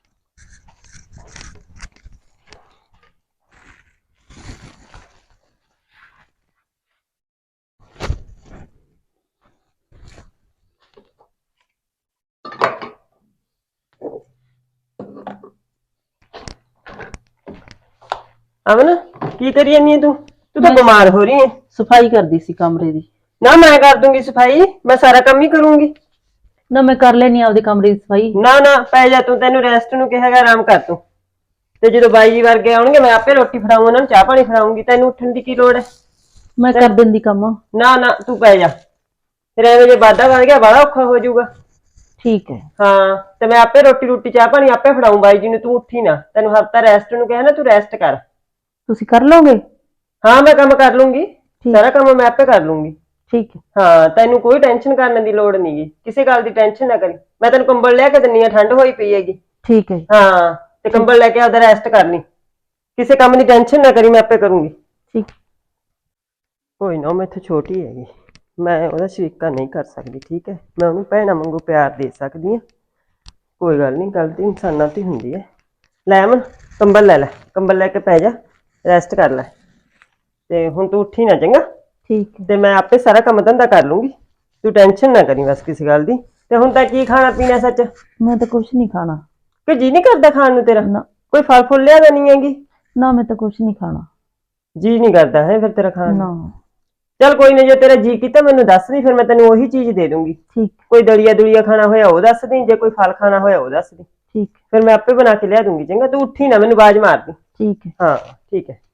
S3: ਅਮਨ ਕੀ ਕਰੀ ਜਾਂਦੀ ਹੈ ਤੂੰ? ਤੂੰ ਤਾਂ ਬਿਮਾਰ ਹੋ ਰਹੀ ਹੈ।
S5: ਸਫਾਈ ਕਰਦੀ ਸੀ ਕਮਰੇ ਦੀ।
S3: ਨਾ ਮੈਂ ਕਰ ਦੂੰਗੀ ਸਫਾਈ, ਮੈਂ ਸਾਰਾ ਕੰਮ ਹੀ ਕਰੂੰਗੀ।
S5: ਨਾ ਮੈਂ ਕਰ ਲੈਣੀ ਆਪਦੇ ਕਮਰੇ ਦੀ ਸਫਾਈ।
S3: ਨਾ ਨਾ ਪੈ ਜਾ ਤੂੰ, ਤੈਨੂੰ ਰੈਸਟ ਨੂੰ ਕਿਹਾ ਹੈਗਾ, ਆਰਾਮ ਕਰ ਤੂੰ। ਤੇ ਜਦੋਂ ਬਾਈ ਜੀ ਵਰਗੇ ਆਉਣਗੇ ਮੈਂ ਆਪੇ ਰੋਟੀ ਫੜਾਊਂ, ਉਹਨਾਂ ਨੂੰ ਚਾਹ ਪਾਣੀ ਫੜਾਉਂਗੀ, ਤੈਨੂੰ ਉੱਠਣ ਦੀ ਕੀ ਲੋੜ ਹੈ?
S5: ਮੈਂ ਕਰ ਦਿੰਦੀ ਕੰਮ।
S3: ਨਾ ਨਾ ਤੂੰ ਪੈ ਜਾ, ਫਿਰ ਐਵੇਂ ਜੇ ਵਾਧਾ ਵੱਧ ਗਿਆ ਬੜਾ ਔਖਾ ਹੋ ਜਾਊਗਾ।
S5: ਠੀਕ ਹੈ।
S3: ਹਾਂ ਤੇ ਮੈਂ ਆਪੇ ਰੋਟੀ ਰੋਟੀ ਚਾਹ ਪਾਣੀ ਆਪੇ ਫੜਾਊਂ ਬਾਈ ਜੀ ਨੂੰ, ਤੂੰ ਉੱਠੀ ਨਾ। ਤੈਨੂੰ ਹਫਤਾ ਰੈਸਟ ਨੂੰ ਕਿਹਾ ਨਾ, ਤੂੰ ਰੈਸਟ ਕਰ।
S5: ਤੁਸੀਂ ਕਰ ਲਓਗੇ?
S3: ਹਾਂ ਮੈਂ ਕੰਮ ਕਰ ਲੂੰਗੀ, ਸਾਰਾ ਕੰਮ ਮੈਂ ਆਪੇ ਕਰ ਲੂੰਗੀ।
S5: ਠੀਕ ਹੈ।
S3: ਹਾਂ ਤੈਨੂੰ ਕੋਈ ਟੈਨਸ਼ਨ ਕਰਨ ਦੀ ਲੋੜ ਨਹੀਂਗੀ, ਕਿਸੇ ਗੱਲ ਦੀ ਟੈਨਸ਼ਨ ਨਾ ਕਰੀ। ਮੈਂ ਤੈਨੂੰ ਕੰਬਲ ਲਿਆ ਕੇ ਦਿੰਨੀ ਆ, ਠੰਡ ਹੋਈ ਪਈ ਹੈਗੀ।
S5: ਠੀਕ ਹੈ।
S3: ਹਾਂ ਤੇ ਕੰਬਲ ਲੈ ਕੇ ਆਪਦਾ ਰੈਸਟ ਕਰ ਲਈ, ਕਿਸੇ ਕੰਮ ਦੀ ਟੈਨਸ਼ਨ ਨਾ ਕਰੀ, ਮੈਂ ਆਪੇ ਕਰੂੰਗੀ।
S5: ਠੀਕ।
S3: ਕੋਈ ਨਾ, ਮੈਂ ਇੱਥੇ ਛੋਟੀ ਹੈਗੀ, ਮੈਂ ਉਹਦਾ ਸ਼ਰੀਕਾ ਨਹੀਂ ਕਰ ਸਕਦੀ, ਠੀਕ ਹੈ? ਮੈਂ ਉਹਨੂੰ ਭੈਣਾਂ ਵਾਂਗੂ ਪਿਆਰ ਦੇ ਸਕਦੀ ਹਾਂ। ਕੋਈ ਗੱਲ ਨਹੀਂ, ਗਲਤੀ ਇਨਸਾਨਾਂ ਤੋਂ ਹੀ ਹੁੰਦੀ ਹੈ, ਲੈ ਅਮਨ ਕੰਬਲ ਲੈ ਲੈ, ਕੰਬਲ ਲੈ ਕੇ ਪੈ ਜਾ, ਰੈਸਟ ਕਰ ਲੈ। ਤੇ ਹੁਣ ਤੂੰ ਉੱਠੀ ਨਾ, ਚੰਗਾ?
S5: ਠੀਕ ਹੈ।
S3: ਤੇ ਮੈਂ ਆਪੇ ਸਾਰਾ ਕੰਮ ਧੰਦਾ ਕਰ ਲੂੰਗੀ, ਤੂੰ ਟੈਨਸ਼ਨ ਨਾ ਕਰੀ ਬਸ ਕਿਸੇ ਗੱਲ ਦੀ। ਤੇ ਹੁਣ ਤਾਂ ਕੀ ਖਾਣਾ ਪੀਣਾ ਸੱਚ?
S5: ਮੈਂ ਤਾਂ ਕੁਛ ਨਹੀਂ ਖਾਣਾ।
S3: ਕਿ ਜੀ ਨਹੀਂ ਕਰਦਾ ਖਾਣ ਨੂੰ ਤੇਰਾ?
S5: ਨਾ
S3: ਕੋਈ ਫਲ ਫੁੱਲ ਲਿਆ ਤਾਂ ਨਹੀਂ ਹੈਗੀ?
S5: ਨਾ, ਮੈਂ ਤਾਂ ਕੁਛ ਨਹੀਂ ਖਾਣਾ।
S3: ਜੀ ਨਹੀਂ ਕਰਦਾ ਹੈ ਫਿਰ ਤੇਰਾ ਖਾਣ
S5: ਨਾ।
S3: ਨੂੰ? ਚੱਲ ਕੋਈ ਨਹੀਂ, ਜੇ ਤੇਰਾ ਜੀ ਕੀਤਾ ਮੈਨੂੰ ਦੱਸ ਦੀ, ਫਿਰ ਮੈਂ ਤੈਨੂੰ ਉਹੀ ਚੀਜ਼ ਦੇ ਦੂੰਗੀ।
S5: ਠੀਕ
S3: ਕੋਈ ਦਲੀਆ ਦੁਲੀਆ ਖਾਣਾ ਹੋਇਆ ਉਹ ਦੱਸ ਦੀ, ਜੇ ਕੋਈ ਫਲ ਖਾਣਾ ਹੋਇਆ ਉਹ ਦੱਸ ਦੀ,
S5: ਠੀਕ
S3: ਫਿਰ ਮੈਂ ਆਪੇ ਬਣਾ ਕੇ ਲਿਆ ਦੂੰਗੀ। ਚੰਗਾ, ਤੂੰ ਉੱਠੀ ਨਾ, ਮੈਨੂੰ ਆਵਾਜ਼ ਮਾਰ ਦੀ।
S5: ਠੀਕ ਹੈ।
S3: ਹਾਂ ਠੀਕ ਹੈ।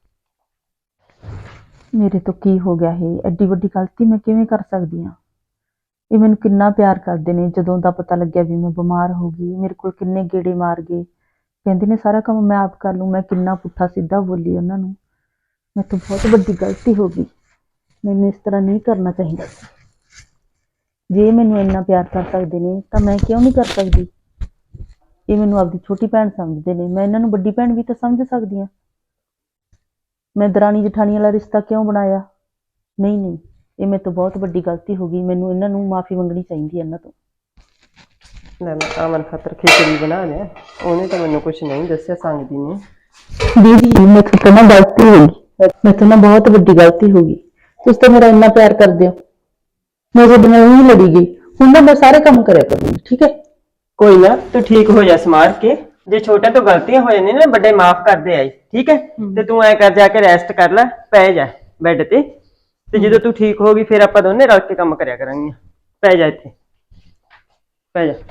S5: ਮੇਰੇ ਤੋਂ ਕੀ ਹੋ ਗਿਆ? ਇਹ ਐਡੀ ਵੱਡੀ ਗਲਤੀ ਮੈਂ ਕਿਵੇਂ ਕਰ ਸਕਦੀ ਹਾਂ? ਇਹ ਮੈਨੂੰ ਕਿੰਨਾ ਪਿਆਰ ਕਰਦੇ ਨੇ। ਜਦੋਂ ਦਾ ਪਤਾ ਲੱਗਿਆ ਵੀ ਮੈਂ ਬਿਮਾਰ ਹੋ ਗਈ, ਮੇਰੇ ਕੋਲ ਕਿੰਨੇ ਗੇੜੇ ਮਾਰ ਗਏ, ਕਹਿੰਦੇ ਨੇ ਸਾਰਾ ਕੰਮ ਮੈਂ ਆਪ ਕਰ ਲੂੰ। ਮੈਂ ਕਿੰਨਾ ਪੁੱਠਾ ਸਿੱਧਾ ਬੋਲੀ ਉਹਨਾਂ ਨੂੰ। ਮੇਰੇ ਤੋਂ ਬਹੁਤ ਵੱਡੀ ਗਲਤੀ ਹੋ ਗਈ। ਮੈਨੂੰ ਇਸ ਤਰ੍ਹਾਂ ਨਹੀਂ ਕਰਨਾ ਚਾਹੀਦਾ ਸੀ। ਜੇ ਮੈਨੂੰ ਇੰਨਾ ਪਿਆਰ ਕਰ ਸਕਦੇ ਨੇ ਤਾਂ ਮੈਂ ਕਿਉਂ ਨਹੀਂ ਕਰ ਸਕਦੀ? ਇਹ ਮੈਨੂੰ ਆਪਦੀ ਛੋਟੀ ਭੈਣ ਸਮਝਦੇ ਨੇ, ਮੈਂ ਇਹਨਾਂ ਨੂੰ ਵੱਡੀ ਭੈਣ ਵੀ ਤਾਂ ਸਮਝ ਸਕਦੀ ਹਾਂ। ਮੈਂ ਦਰਾਣੀ ਜਠਾਣੀ ਵਾਲਾ ਰਿਸ਼ਤਾ ਕਿਉਂ ਬਣਾਇਆ? ਨਹੀਂ ਨਹੀਂ, ਇਹ ਮੇਰੇ ਤੋਂ ਬਹੁਤ ਵੱਡੀ ਗਲਤੀ ਹੋ ਗਈ। ਮੈਨੂੰ ਇਹਨਾਂ ਨੂੰ ਮਾਫੀ ਮੰਗਣੀ ਚਾਹੀਦੀ ਹੈ ਇਹਨਾਂ ਤੋਂ।
S3: ਲੈ ਮੈਂ ਅਮਨ ਖਾਤਰ ਖਿਚੜੀ ਬਣਾ ਲਿਆ, ਉਹਨੇ ਤਾਂ ਮੈਨੂੰ ਕੁਝ ਨਹੀਂ ਦੱਸਿਆ ਸੰਗਦੀ ਨੇ।
S5: ਦੀਦੀ ਮੇਰੇ ਤੋਂ ਨਾ ਗਲਤੀ ਹੋ ਗਈ, ਮੇਰੇ ਤੋਂ ਨਾ ਬਹੁਤ ਵੱਡੀ ਗਲਤੀ ਹੋ ਗਈ। ਤੁਸੀਂ ਤਾਂ ਮੇਰਾ ਇੰਨਾ ਪਿਆਰ ਕਰਦੇ ਹੋ, ਮੈਂ ਤੁਹਾਡੇ ਨਾਲ ਨਹੀਂ ਲੜੀ ਗਈ। ਹੁਣ ਨਾ ਮੈਂ ਸਾਰੇ ਕੰਮ ਕਰਿਆ ਕਰੂੰਗੀ, ਠੀਕ ਹੈ?
S3: ਕੋਈ ਨਾ, ਤੂੰ ਠੀਕ ਹੋ ਜਾ ਸਮਾਰ ਕੇ। ਜੇ ਛੋਟੇ ਤੋਂ ਗਲਤੀਆਂ ਹੋ ਜਾਂਦੀਆਂ ਨੇ, ਵੱਡੇ ਮਾਫ ਕਰਦੇ ਆਈ, ਠੀਕ ਹੈ? ਤੇ ਤੂੰ ਐ ਕਰ, ਜਾ ਕੇ ਰੈਸਟ ਕਰ ਲੈ, ਪੈ ਜਾ ਬੈੱਡ ਤੇ। ਤੇ ਜਦੋਂ ਤੂੰ ਠੀਕ ਹੋ ਗਈ ਫਿਰ ਆਪਾਂ ਦੋਨੇ ਰਲ ਕੇ ਕੰਮ ਕਰਿਆ ਕਰਾਂਗੇ। ਪੈ ਜਾ ਇੱਥੇ, ਪੈ ਜਾ,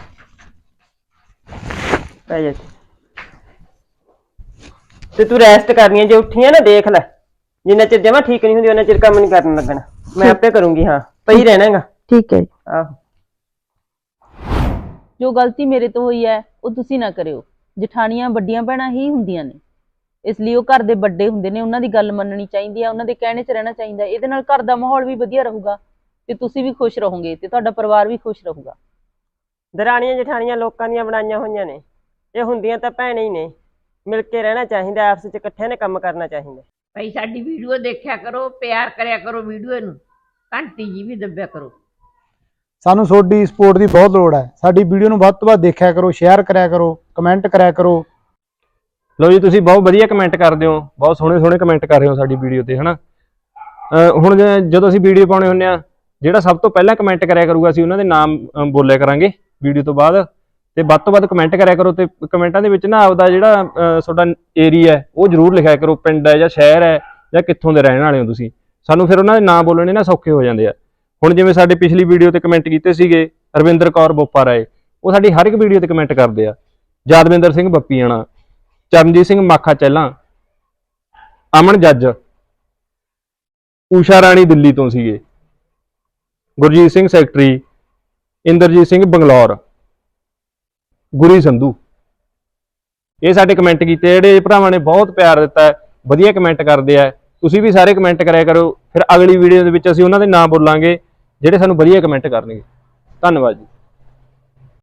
S3: ਪੈ ਜਾ। ਤੇ ਤੂੰ ਰੈਸਟ ਕਰਨੀ ਹੈ, ਜੇ ਉੱਠੀਆਂ ਨਾ ਦੇਖ ਲੈ, ਜਿੰਨਾ ਚਿਰ ਜਮਾ ਠੀਕ ਨਹੀਂ ਹੁੰਦੀ ਉਹਨਾਂ ਚਿਰ ਕੰਮ ਨਹੀਂ ਕਰਨ ਲੱਗਣਾ। ਮੈਂ ਆਪੇ ਕਰੂੰਗੀ। ਹਾਂ, ਪਈ ਰਹਿਣਾਗਾ।
S5: ਠੀਕ ਹੈ।
S3: ਆਹੋ।
S5: ਜੋ ਗਲਤੀ ਮੇਰੇ ਤੋਂ ਹੋਈ ਹੈ ਉਹ ਤੁਸੀਂ ਨਾ ਕਰਿਓ। ਜਠਾਣੀਆਂ ਵੱਡੀਆਂ ਭੈਣਾਂ ਹੀ ਹੁੰਦੀਆਂ ਨੇ, ਇਸ ਲਈ ਉਹ ਘਰ ਦੇ ਵੱਡੇ ਹੁੰਦੇ ਨੇ, ਉਹਨਾਂ ਦੀ ਗੱਲ ਮੰਨਣੀ ਚਾਹੀਦੀ ਹੈ, ਉਹਨਾਂ ਦੇ ਕਹਿਣੇ 'ਚ ਰਹਿਣਾ ਚਾਹੀਦਾ। ਇਹਦੇ ਨਾਲ ਘਰ ਦਾ ਮਾਹੌਲ ਵੀ ਵਧੀਆ ਰਹੂਗਾ ਤੇ ਤੁਸੀਂ ਵੀ ਖੁਸ਼ ਰਹੋਗੇ ਤੇ ਤੁਹਾਡਾ ਪਰਿਵਾਰ ਵੀ ਖੁਸ਼ ਰਹੂਗਾ।
S3: ਦਰਾਣੀਆਂ ਜਠਾਣੀਆਂ ਲੋਕਾਂ ਦੀਆਂ ਬਣਾਈਆਂ ਹੋਈਆਂ ਨੇ, ਇਹ ਹੁੰਦੀਆਂ ਤਾਂ ਭੈਣਾਂ ਹੀ ਨੇ। ਮਿਲ ਕੇ ਰਹਿਣਾ ਚਾਹੀਦਾ, ਆਪਸ 'ਚ ਇਕੱਠਿਆਂ ਨੇ ਕੰਮ ਕਰਨਾ ਚਾਹੀਦਾ।
S2: ਭਾਈ ਸਾਡੀ ਵੀਡੀਓ ਦੇਖਿਆ ਕਰੋ, ਪਿਆਰ ਕਰਿਆ ਕਰੋ ਵੀਡੀਓ ਨੂੰ, ਘੰਟੀ ਜੀ ਵੀ ਦੱਬਿਆ ਕਰੋ।
S4: ਸਾਨੂੰ ਤੁਹਾਡੀ ਸਪੋਰਟ ਦੀ ਬਹੁਤ ਲੋੜ ਹੈ। ਸਾਡੀ ਵੀਡੀਓ ਨੂੰ ਵੱਧ ਤੋਂ ਵੱਧ ਦੇਖਿਆ ਕਰੋ, ਸ਼ੇਅਰ ਕਰਿਆ ਕਰੋ, ਕਮੈਂਟ ਕਰਿਆ ਕਰੋ।
S1: ਲਓ ਜੀ, ਤੁਸੀਂ ਬਹੁਤ ਵਧੀਆ ਕਮੈਂਟ ਕਰਦੇ ਹੋ, ਬਹੁਤ ਸੋਹਣੇ ਸੋਹਣੇ ਕਮੈਂਟ ਕਰ ਰਹੇ ਹੋ ਸਾਡੀ ਵੀਡੀਓ ਤੇ, ਹਨਾ। ਅਹ ਹੁਣ ਜ- ਜਦੋਂ ਅਸੀਂ ਵੀਡੀਓ ਪਾਉਣੇ ਹੁੰਦੇ ਆ, ਜਿਹੜਾ ਸਭ ਤੋਂ ਪਹਿਲਾਂ ਕਮੈਂਟ ਕਰਿਆ ਕਰੂਗਾ ਅਸੀਂ ਉਹਨਾਂ ਦੇ ਨਾਮ ਅਹ ਬੋਲਿਆ ਕਰਾਂਗੇ ਵੀਡੀਓ ਤੋਂ ਬਾਅਦ। ਤੇ ਵੱਧ ਤੋਂ ਵੱਧ ਕਮੈਂਟ ਕਰਿਆ ਕਰੋ, ਤੇ ਕਮੈਂਟਾਂ ਦੇ ਵਿੱਚ ਨਾ ਆਪਦਾ ਜਿਹੜਾ ਅਹ ਤੁਹਾਡਾ ਏਰੀਆ ਹੈ ਉਹ ਜ਼ਰੂਰ ਲਿਖਿਆ ਕਰੋ, ਪਿੰਡ ਹੈ ਜਾਂ ਸ਼ਹਿਰ ਹੈ ਜਾਂ ਕਿੱਥੋਂ ਦੇ ਰਹਿਣ ਵਾਲੇ ਹੋ ਤੁਸੀਂ। ਸਾਨੂੰ ਫਿਰ ਉਹਨਾਂ ਦੇ ਨਾਮ ਬੋਲਣੇ ਨਾ ਸੌਖੇ ਹੋ ਜਾਂਦੇ ਆ। ਹੁਣ ਜਿਵੇਂ ਸਾਡੇ ਪਿਛਲੀ ਵੀਡੀਓ ਤੇ ਕਮੈਂਟ ਕੀਤੇ ਸੀਗੇ ਰਵਿੰਦਰ ਕੌਰ ਬੋਪਾ ਰਾਏ, ਉਹ ਸਾਡੀ ਹਰ ਇੱਕ ਵੀਡੀਓ ਤੇ ਕਮੈਂਟ ਕਰਦੇ ਆ। ਯਾਦਵਿੰਦਰ ਸਿੰਘ ਬੱਪੀਆਣਾ, ਚਰਨਜੀਤ ਸਿੰਘ ਮਾਖਾ ਚਹਿਲਾਂ, ਅਮਨ ਜੱਜ, ਊਸ਼ਾ ਰਾਣੀ ਦਿੱਲੀ ਤੋਂ ਸੀਗੇ, ਗੁਰਜੀਤ ਸਿੰਘ ਸੈਕਟਰੀ, ਇੰਦਰਜੀਤ ਸਿੰਘ ਬੰਗਲੌਰ, ਗੁਰੀ ਸੰਧੂ। ਇਹ ਸਾਡੇ ਕਮੈਂਟ ਕੀਤੇ, ਜਿਹੜੇ ਭਰਾਵਾਂ ਨੇ ਬਹੁਤ ਪਿਆਰ ਦਿੱਤਾ ਹੈ, ਵਧੀਆ ਕਮੈਂਟ ਕਰਦੇ ਆ। ਤੁਸੀਂ ਵੀ ਸਾਰੇ ਕਮੈਂਟ ਕਰਿਆ ਕਰੋ, ਫਿਰ ਅਗਲੀ ਵੀਡੀਓ ਦੇ ਵਿੱਚ ਅਸੀਂ ਉਹਨਾਂ ਦੇ ਨਾਮ ਬੋਲਾਂਗੇ ਜਿਹੜੇ ਸਾਨੂੰ ਵਧੀਆ ਕਮੈਂਟ ਕਰਨਗੇ। ਧੰਨਵਾਦ ਜੀ।